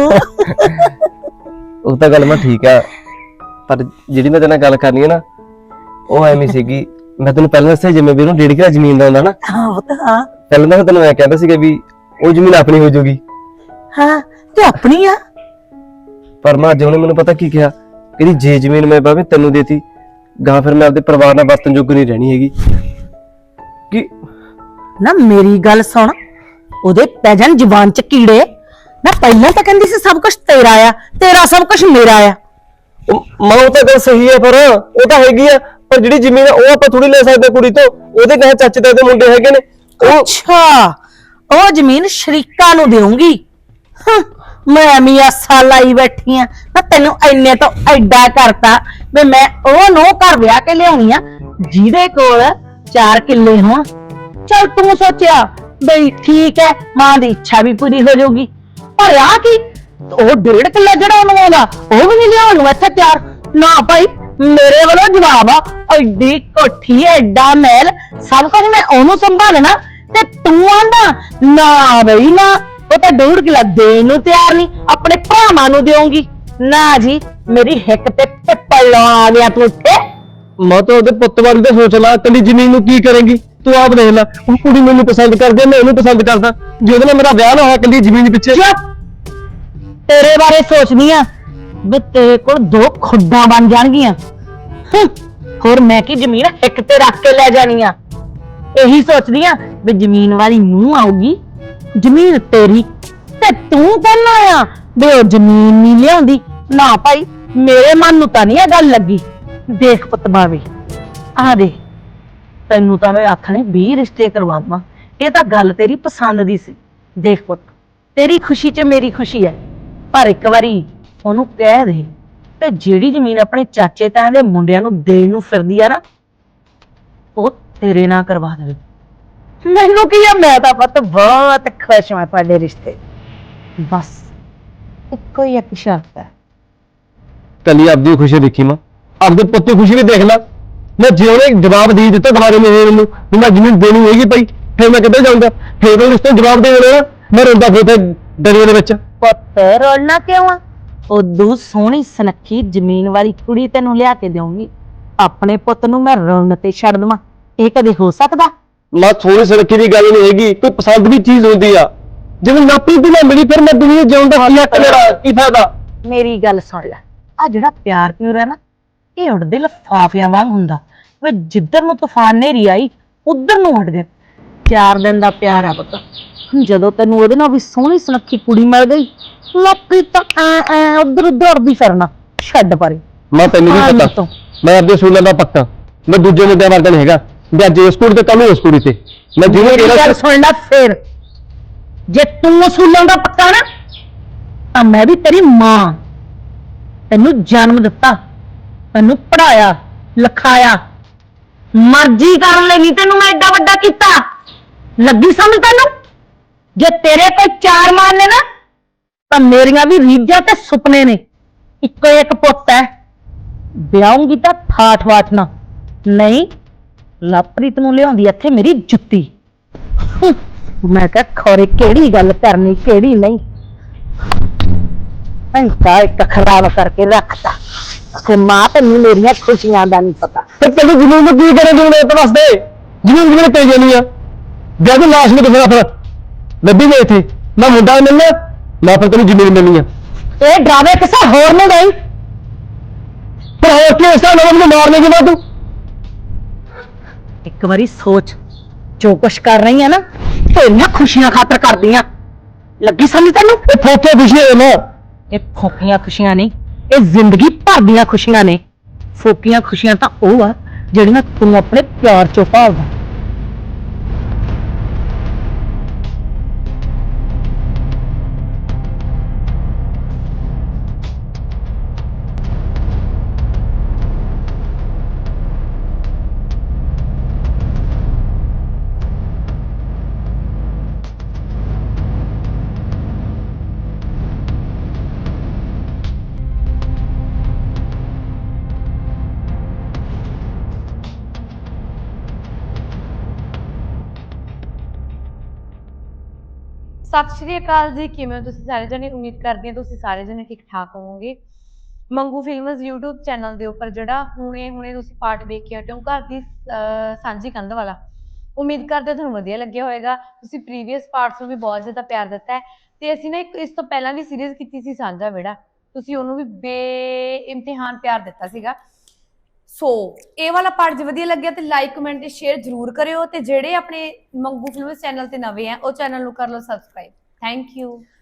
F: ਉਹ ਤਾਂ ਗੱਲ ਮੈਂ ਠੀਕ ਆ, ਪਰ ਜਿਹੜੀ ਮੈਂ ਤੇਰੇ ਨਾਲ ਗੱਲ ਕਰਨੀ ਹੈ ਨਾ, ਉਹ ਐਵੇਂ ਸੀਗੀ। ਮੈਂ ਤੈਨੂੰ ਪਹਿਲਾਂ ਦੱਸਿਆ ਜਿਵੇਂ ਵੀ ਉਹਨੂੰ 1.5 ਕਿੱਲਾ ਜ਼ਮੀਨ ਦਾ ਹੁੰਦਾ ਨਾ,
E: ਹਾਂ ਪੁੱਤ ਹਾਂ
F: ਪਹਿਲਾਂ ਤਾਂ ਤੈਨੂੰ ਮੈਂ ਕਹਿੰਦਾ ਸੀਗਾ ਵੀ ਉਹ ਜ਼ਮੀਨ ਆਪਣੀ ਹੋ ਜਾਊਗੀ,
E: ਹਾਂ ਤੇ ਆਪਣੀ ਆ।
F: ਪਰ ਮਾਂ ਅੱਜ ਉਹਨੇ ਮੈਨੂੰ ਪਤਾ ਕੀ ਕਿਹਾ, ਕਹਿੰਦੀ ਜੇ ਜ਼ਮੀਨ ਮੈਂ ਬਾਬੇ ਤੈਨੂੰ ਦੇਤੀ ਗਾਂ, ਫਿਰ ਮੈਂ ਆਪਦੇ ਪਰਿਵਾਰ ਨਾਲ ਵਰਤਨ ਯੋਗ ਨਹੀਂ ਰਹਿਣੀ ਹੈਗੀ। ਕਿ
E: ਨਾ ਮੇਰੀ ਗੱਲ ਸੁਣ, ਉਹਦੇ ਪੈ ਜਾਣ ਜ਼ੁਬਾਨ ਚ ਕੀੜੇ। ਨਾ ਪਹਿਲਾਂ ਤਾਂ ਕਹਿੰਦੀ ਸੀ ਸਭ ਕੁਝ ਤੇਰਾ ਆ, ਤੇਰਾ ਸਭ ਕੁਝ ਮੇਰਾ ਆ।
F: ਮਾਂ ਉਹ ਤਾਂ ਗੱਲ ਸਹੀ ਹੈ, ਪਰ ਉਹ ਤਾਂ ਹੈਗੀ ਆ, ਪਰ ਜਿਹੜੀ ਜ਼ਮੀਨ ਆ ਉਹ ਆਪਾਂ ਥੋੜੀ ਲੈ ਸਕਦੇ ਕੁੜੀ ਤੋਂ। ਉਹਦੇ ਕਹੇ ਚਾਚੇ ਤਾਏ ਦੇ ਮੁੰਡੇ ਹੈਗੇ ਨੇ। ਉਹ
E: ਅੱਛਾ, ਉਹ ਜ਼ਮੀਨ ਸ਼ਰੀਕਾਂ ਨੂੰ ਦੇਉਂਗੀ। ਮੈਂ ਮੀਆਸਾ ਲਾਈ ਬੈਠੀ ਆ ਨਾ, ਤੈਨੂੰ ਐਨੇ ਤੋਂ ਐਡਾ ਕਰਤਾ ਵੀ ਮੈਂ ਉਹ ਨੂੰ ਘਰ ਵਿਆਹ ਕੇ ਲਿਆਉਣੀ ਆ ਜਿਹਦੇ ਕੋਲ 4 ਕਿੱਲੇ ਹੋਣ। ਚਲ ਤੂੰ ਸੋਚਿਆ ਬਈ ਠੀਕ ਹੈ, ਮਾਂ ਦੀ ਇੱਛਾ ਵੀ ਪੂਰੀ ਹੋ ਜਾਊਗੀ, ਪਰ ਆ ਕੀ ਉਹ 1.5 ਕਿੱਲਾ ਜਿਹੜਾ ਉਹਨੂੰ ਆਉਂਦਾ ਉਹ ਵੀ ਨਹੀਂ ਲਿਆਉਣ ਨੂੰ ਇੱਥੇ ਤਿਆਰ। ਨਾ ਭਾਈ, ਮੇਰੇ ਵੱਲੋਂ ਜਵਾਬ ਆ, ਐਡੀ ਕੋਠੀ ਐਡਾ ਮਹਿਲ ਸਭ ਕੁਝ ਮੈਂ ਉਹਨੂੰ ਸੰਭਾਲਣਾ, ਤੇ ਤੂੰ ਆਂਦਾ ਨਾ ਬਈ ਨਾ, ਉਹ ਤਾਂ 1.5 ਕਿੱਲਾ ਦੇਣ ਨੂੰ ਤਿਆਰ ਨਹੀਂ, ਆਪਣੇ ਭਰਾਵਾਂ ਨੂੰ ਦੇਉਂਗੀ। ਨਾ ਜੀ, ਮੇਰੀ ਹਿੱਕ ਤੇ ਪਿੱਪਲ ਲਾ ਗਿਆ ਤੂੰ ਉੱਥੇ।
F: ਮੈਂ ਤਾਂ ਉਹਦੇ ਪੁੱਤ ਬਾਰੇ ਤਾਂ ਸੋਚ ਲਾ, ਕੱਲੀ ਜ਼ਮੀਨ ਨੂੰ ਕੀ ਕਰੇਂਗੀ ਤੂੰ ਆਪ ਦੇਖ ਲੈ। ਉਹ ਕੁੜੀ ਮੈਨੂੰ ਪਸੰਦ ਕਰਦੀ ਆ, ਮੈਂ ਉਹਨੂੰ ਪਸੰਦ ਕਰਦਾ, ਜੇ ਉਹਦੇ ਨਾਲ ਮੇਰਾ ਵਿਆਹ ਨਾ ਹੋਇਆ ਕੱਲੀ ਜ਼ਮੀਨ ਪਿੱਛੇ।
E: ਤੇਰੇ ਬਾਰੇ ਸੋਚਦੀ ਆ ਵੀ ਤੇਰੇ ਕੋਲ 2 ਖੁੱਡਾਂ ਬਣ ਜਾਣਗੀਆਂ।
I: ਹੋਰ ਮੈਂ ਕੀ ਜ਼ਮੀਨ ਇੱਕ ਤੇ ਰੱਖ ਕੇ ਲੈ ਜਾਣੀ ਆ? ਇਹੀ ਸੋਚਦੀ ਆ ਵੀ ਜ਼ਮੀਨ ਵਾਲੀ ਮੂੰਹ ਆਊਗੀ, ਜ਼ਮੀਨ ਤੇਰੀ ਤੇ ਤੂੰ ਕਹਿੰਦਾ ਆ ਵੀ ਉਹ ਜ਼ਮੀਨ ਨਹੀਂ ਲਿਆਉਂਦੀ। ਨਾ ਭਾਈ, ਮੇਰੇ ਮਨ ਨੂੰ ਤਾਂ ਨਹੀਂ ਇਹ ਗੱਲ ਲੱਗੀ। ਦੇਖ ਪੁੱਤ ਬਾਵੇ, ਆ ਦੇ, ਤੈਨੂੰ ਤਾਂ ਮੈਂ ਆਖਣੇ 20 ਰਿਸ਼ਤੇ ਕਰਵਾਵਾਂ, ਇਹ ਤਾਂ ਗੱਲ ਤੇਰੀ ਪਸੰਦ ਦੀ ਸੀ। ਦੇਖ ਪੁੱਤ, ਤੇਰੀ ਖੁਸ਼ੀ 'ਚ ਮੇਰੀ ਖੁਸ਼ੀ ਹੈ, ਪਰ ਇੱਕ ਵਾਰੀ ਉਹਨੂੰ ਕਹਿ ਦੇ ਤੇ ਜਿਹੜੀ ਜ਼ਮੀਨ ਆਪਣੇ ਚਾਚੇ ਤਾਇਆਂ ਦੇ ਮੁੰਡਿਆਂ ਨੂੰ ਦੇਣ ਨੂੰ ਫਿਰਦੀ ਆ ਨਾ, ਉਹ ਤੇਰੇ ਨਾਲ ਕਰਵਾ ਦੇਵੇ। ਮੈਨੂੰ ਕੀ ਆ, ਮੈਂ ਤਾਂ ਪੁੱਤ ਬਹੁਤ ਖੁਸ਼ ਹਾਂ ਤੁਹਾਡੇ ਰਿਸ਼ਤੇ। ਬਸ ਇੱਕੋ ਹੀ ਇੱਕ ਸ਼ਰਤ ਹੈ।
F: ਕੱਲੀ ਆਪਦੀ ਖੁਸ਼ੀ ਦੇਖੀ ਮਾਂ, ਆਪਦੇ ਪੁੱਤ ਦੀ ਖੁਸ਼ੀ ਵੀ ਦੇਖ ਲੈ। ਮੈਂ ਜੇ ਉਹਨੇ ਜਵਾਬ ਦੇ ਦਿੱਤਾ ਦੁਬਾਰੇ ਮੈਨੂੰ ਵੀ ਮੈਂ ਜ਼ਮੀਨ ਦੇਣੀ ਹੈਗੀ ਭਾਈ, ਫਿਰ ਮੈਂ ਕਿੱਥੇ ਜਾਊਂਗਾ? ਫਿਰ ਉਹ ਰਿਸ਼ਤੇ ਜਵਾਬ ਦੇ ਦੇਣਾ, ਮੈਂ ਰੋਂਦਾ ਫਿਰਦਾ ਦਰਿਆ ਦੇ ਵਿੱਚ।
I: ਪੁੱਤ ਰੋਲਣਾ ਕਿਉਂ ਆ? ਉਦੋਂ ਸੋਹਣੀ ਸੁਨੱਖੀ ਜ਼ਮੀਨ ਵਾਲੀ ਕੁੜੀ ਤੈਨੂੰ ਲਿਆ ਕੇ ਦੇਵਾਂਗੀ। ਆਪਣੇ ਪੁੱਤ ਨੂੰ ਮੈਂ ਰੋਣ ਤੇ ਛੱਡ ਦੇਵਾਂ? ਇਹ ਕਦੇ ਹੋ ਸਕਦਾ?
F: ਮਾਂ ਥੋੜੀ ਸੜਕੀ ਦੀ ਗੱਲ ਨਹੀਂ ਹੈਗੀ, ਕੋਈ ਪਸੰਦ ਦੀ ਚੀਜ਼ ਹੁੰਦੀ ਆ। ਜਿਵੇਂ ਨਾਪੀ ਦੀ ਨਾ ਮਿਲੀ, ਫਿਰ ਮੈਂ ਦੁਨੀਆ ਜਿਉਣ ਦਾ ਕੀ ਹੱਕ ਮੇਰਾ, ਕੀ ਫਾਇਦਾ?
I: ਮੇਰੀ ਗੱਲ ਸੁਣ ਲੈ, ਆ ਜਿਹੜਾ ਪਿਆਰ ਪਿਉਰ ਹੈ ਨਾ, ਇਹ ਉੜਦੇ ਲਿਫਾਫਿਆਂ ਵਾਂਗ ਹੁੰਦਾ। ਵੇ ਜਿੱਧਰ ਨੂੰ ਤੂਫਾਨ ਨੇਰੀ ਆਈ ਉਧਰ ਨੂੰ ਉੱਡ ਗਏ। 4 ਦਿਨ ਦਾ ਪਿਆਰ ਆ ਪੁੱਤ, ਜਦੋਂ ਤੈਨੂੰ ਉਹਦੇ ਨਾਲ ਵੀ ਸੋਹਣੀ ਸੁਨੱਖੀ ਕੁੜੀ ਮਿਲ ਗਈ, ਲੱਕੀ ਤਾਂ ਐ ਉਧਰ ਉਧਰ ਫਿਰਨਾ ਛੱਡ ਪਰੇ।
F: ਮਾਂ ਤੈਨੂੰ ਵੀ ਪਤਾ, ਮੈਂ ਆਪਦੇ ਸੂਲਾਂ ਦਾ ਪੱਕਾ, ਮੈਂ ਦੂਜੇ ਮੁੰਡਿਆਂ ਵਰਗਾ ਨਹੀਂ ਹੈਗਾ ਵੀ ਅੱਜ ਇਸ ਕੁੜੀ ਤੇ ਕੱਲ ਨੂੰ ਉਸ ਕੁੜੀ ਤੇ। ਮੈਂ ਜਿਵੇਂ
I: ਗੱਲ ਸੁਣ ਲੈ, ਫੇਰ ਜੇ ਤੂੰ ਅਸੂਲਾਂ ਦਾ ਪੱਕਾ ਨਾ, ਤਾਂ ਮੈਂ ਵੀ ਤੇਰੀ ਮਾਂ, ਤੈਨੂੰ ਜਨਮ ਦਿੱਤਾ, ਤੈਨੂੰ ਪੜਾਇਆ ਲਿਖਾਇਆ, ਮਰਜ਼ੀ ਕਰਨ ਲਈ ਨਹੀਂ ਤੈਨੂੰ ਮੈਂ ਏਡਾ ਵੱਡਾ ਕੀਤਾ। ਲੱਗੀ ਸਮਝ ਤੈਨੂੰ? ਜੇ ਤੇਰੇ ਕੋਈ 4 ਮਾਂ ਨੇ ਨਾ, ਤਾਂ ਮੇਰੀਆਂ ਵੀ ਰੀਝਾਂ ਤੇ ਸੁਪਨੇ ਨੇ। ਇੱਕੋ ਇੱਕ ਪੁੱਤ ਹੈ, ਵਿਆਹੂੰਗੀ ਤਾਂ ਠਾਠ ਵਾਠ ਨਾ, ਨਹੀਂ ਲਵਪ੍ਰੀਤ ਨੂੰ ਲਿਆਉਂਦੀ ਇੱਥੇ ਮੇਰੀ ਜੁੱਤੀ। ਮੈਂ ਕਿਹਾ ਖੋਰੇ ਕਿਹੜੀ ਗੱਲ ਕਰਨੀ ਕਿਹੜੀ ਨਹੀਂ, ਅੰਕਾ ਇੱਕ ਖਰਾਬ ਕਰਕੇ ਰੱਖਤਾ ਤੇ ਮਾਂ ਤੈਨੂੰ ਮੇਰੀਆਂ ਖੁਸ਼ੀਆਂ ਦਾ ਨਹੀਂ ਪਤਾ।
F: ਤੇ ਤੈਨੂੰ ਜ਼ਮੀਨ ਨੂੰ ਕੀ ਕਰੇ ਜੂਨੇ ਤੇ ਵਾਸਤੇ? ਜ਼ਮੀਨ ਕਿਵੇਂ ਪੈ ਜਾਣੀ ਆ? ਜਦ ਲਾਸ਼ ਨੂੰ ਦਿਖਾ ਫਿਰ ਲੱਭੀ ਗਏ ਇੱਥੇ ਨਾ ਮੁੰਡਾ ਮਿਲਣਾ ਨਾ ਫਿਰ ਤੈਨੂੰ ਜ਼ਮੀਨ ਮਿਲਣੀ ਆ।
I: ਇਹ ਡਰਾਵੇ ਕਿਸੇ ਹੋਰ ਨੂੰ ਗਈ।
F: ਪਰ ਹੋਰ ਕੀ ਇਸ ਤਰ੍ਹਾਂ ਨੂੰ ਮਾਰਨੇ ਦੀ ਬਾਤ?
I: ਇੱਕ ਵਾਰੀ ਸੋਚ, ਜੋ ਕੁਛ ਕਰ ਰਹੀ ਆ ਨਾ, ਤੇਰੀਆਂ ਖੁਸ਼ੀਆਂ ਖਾਤਰ ਕਰਦੀ ਆ। ਲੱਗੀ ਸਮਝ ਤੈਨੂੰ?
F: ਇਹ ਫੋਕੇ ਖੁਸ਼ੀਆਂ ਨੇ,
I: ਇਹ ਫੋਕੀਆਂ ਖੁਸ਼ੀਆਂ ਨਹੀਂ, ਇਹ ਜ਼ਿੰਦਗੀ ਭਰ ਦੀਆਂ ਖੁਸ਼ੀਆਂ ਨੇ। ਫੋਕੀਆਂ ਖੁਸ਼ੀਆਂ ਤਾਂ ਉਹ ਆ ਜਿਹੜੀਆਂ ਤੂੰ ਆਪਣੇ ਪਿਆਰ ਚੋਂ ਭਾਲਦਾ।
A: ਸਤਿ ਸ਼੍ਰੀ ਅਕਾਲ ਜੀ, ਕਿਵੇਂ ਹੋ ਤੁਸੀਂ ਸਾਰੇ ਜਣੇ? ਉਮੀਦ ਕਰਦੀ ਹਾਂ ਤੁਸੀਂ ਸਾਰੇ ਜਣੇ ਠੀਕ ਠਾਕ ਹੋਵੋਗੇ। ਮੰਗੂ ਫਿਲਮਸ YouTube ਚੈਨਲ ਦੇ ਉੱਪਰ ਜਿਹੜਾ ਹੁਣੇ ਤੁਸੀਂ ਪਾਰਟ ਦੇਖ ਕੇ ਹਟੇ ਹੋ, ਘਰ ਦੀ ਸਾਂਝੀ ਕੰਧ ਵਾਲਾ, ਉਮੀਦ ਕਰਦੇ ਤੁਹਾਨੂੰ ਵਧੀਆ ਲੱਗਿਆ ਹੋਵੇਗਾ। ਤੁਸੀਂ ਪ੍ਰੀਵੀਅਸ ਪਾਰਟਸ ਨੂੰ ਵੀ ਬਹੁਤ ਜ਼ਿਆਦਾ ਪਿਆਰ ਦਿੱਤਾ ਹੈ, ਤੇ ਅਸੀਂ ਨਾ ਇੱਕ ਇਸ ਤੋਂ ਪਹਿਲਾਂ ਵੀ ਸੀਰੀਜ਼ ਕੀਤੀ ਸੀ ਸਾਂਝਾ ਵਿਹੜਾ, ਤੁਸੀਂ ਉਹਨੂੰ ਵੀ ਬੇਇਮਤਿਹਾਨ ਪਿਆਰ ਦਿੱਤਾ ਸੀਗਾ। ਸੋ ਇਹ ਵਾਲਾ ਪਾਰਟ ਜੇ ਵਧੀਆ ਲੱਗਿਆ ਤੇ ਲਾਈਕ ਕਮੈਂਟ ਤੇ ਸ਼ੇਅਰ ਜ਼ਰੂਰ ਕਰਿਓ, ਤੇ ਜਿਹੜੇ ਆਪਣੇ ਮੰਗੂ ਫਿਲਮਸ ਚੈਨਲ ਤੇ ਨਵੇਂ ਆ ਉਹ ਚੈਨਲ ਨੂੰ ਕਰ ਲਓ ਸਬਸਕ੍ਰਾਈਬ। Thank you.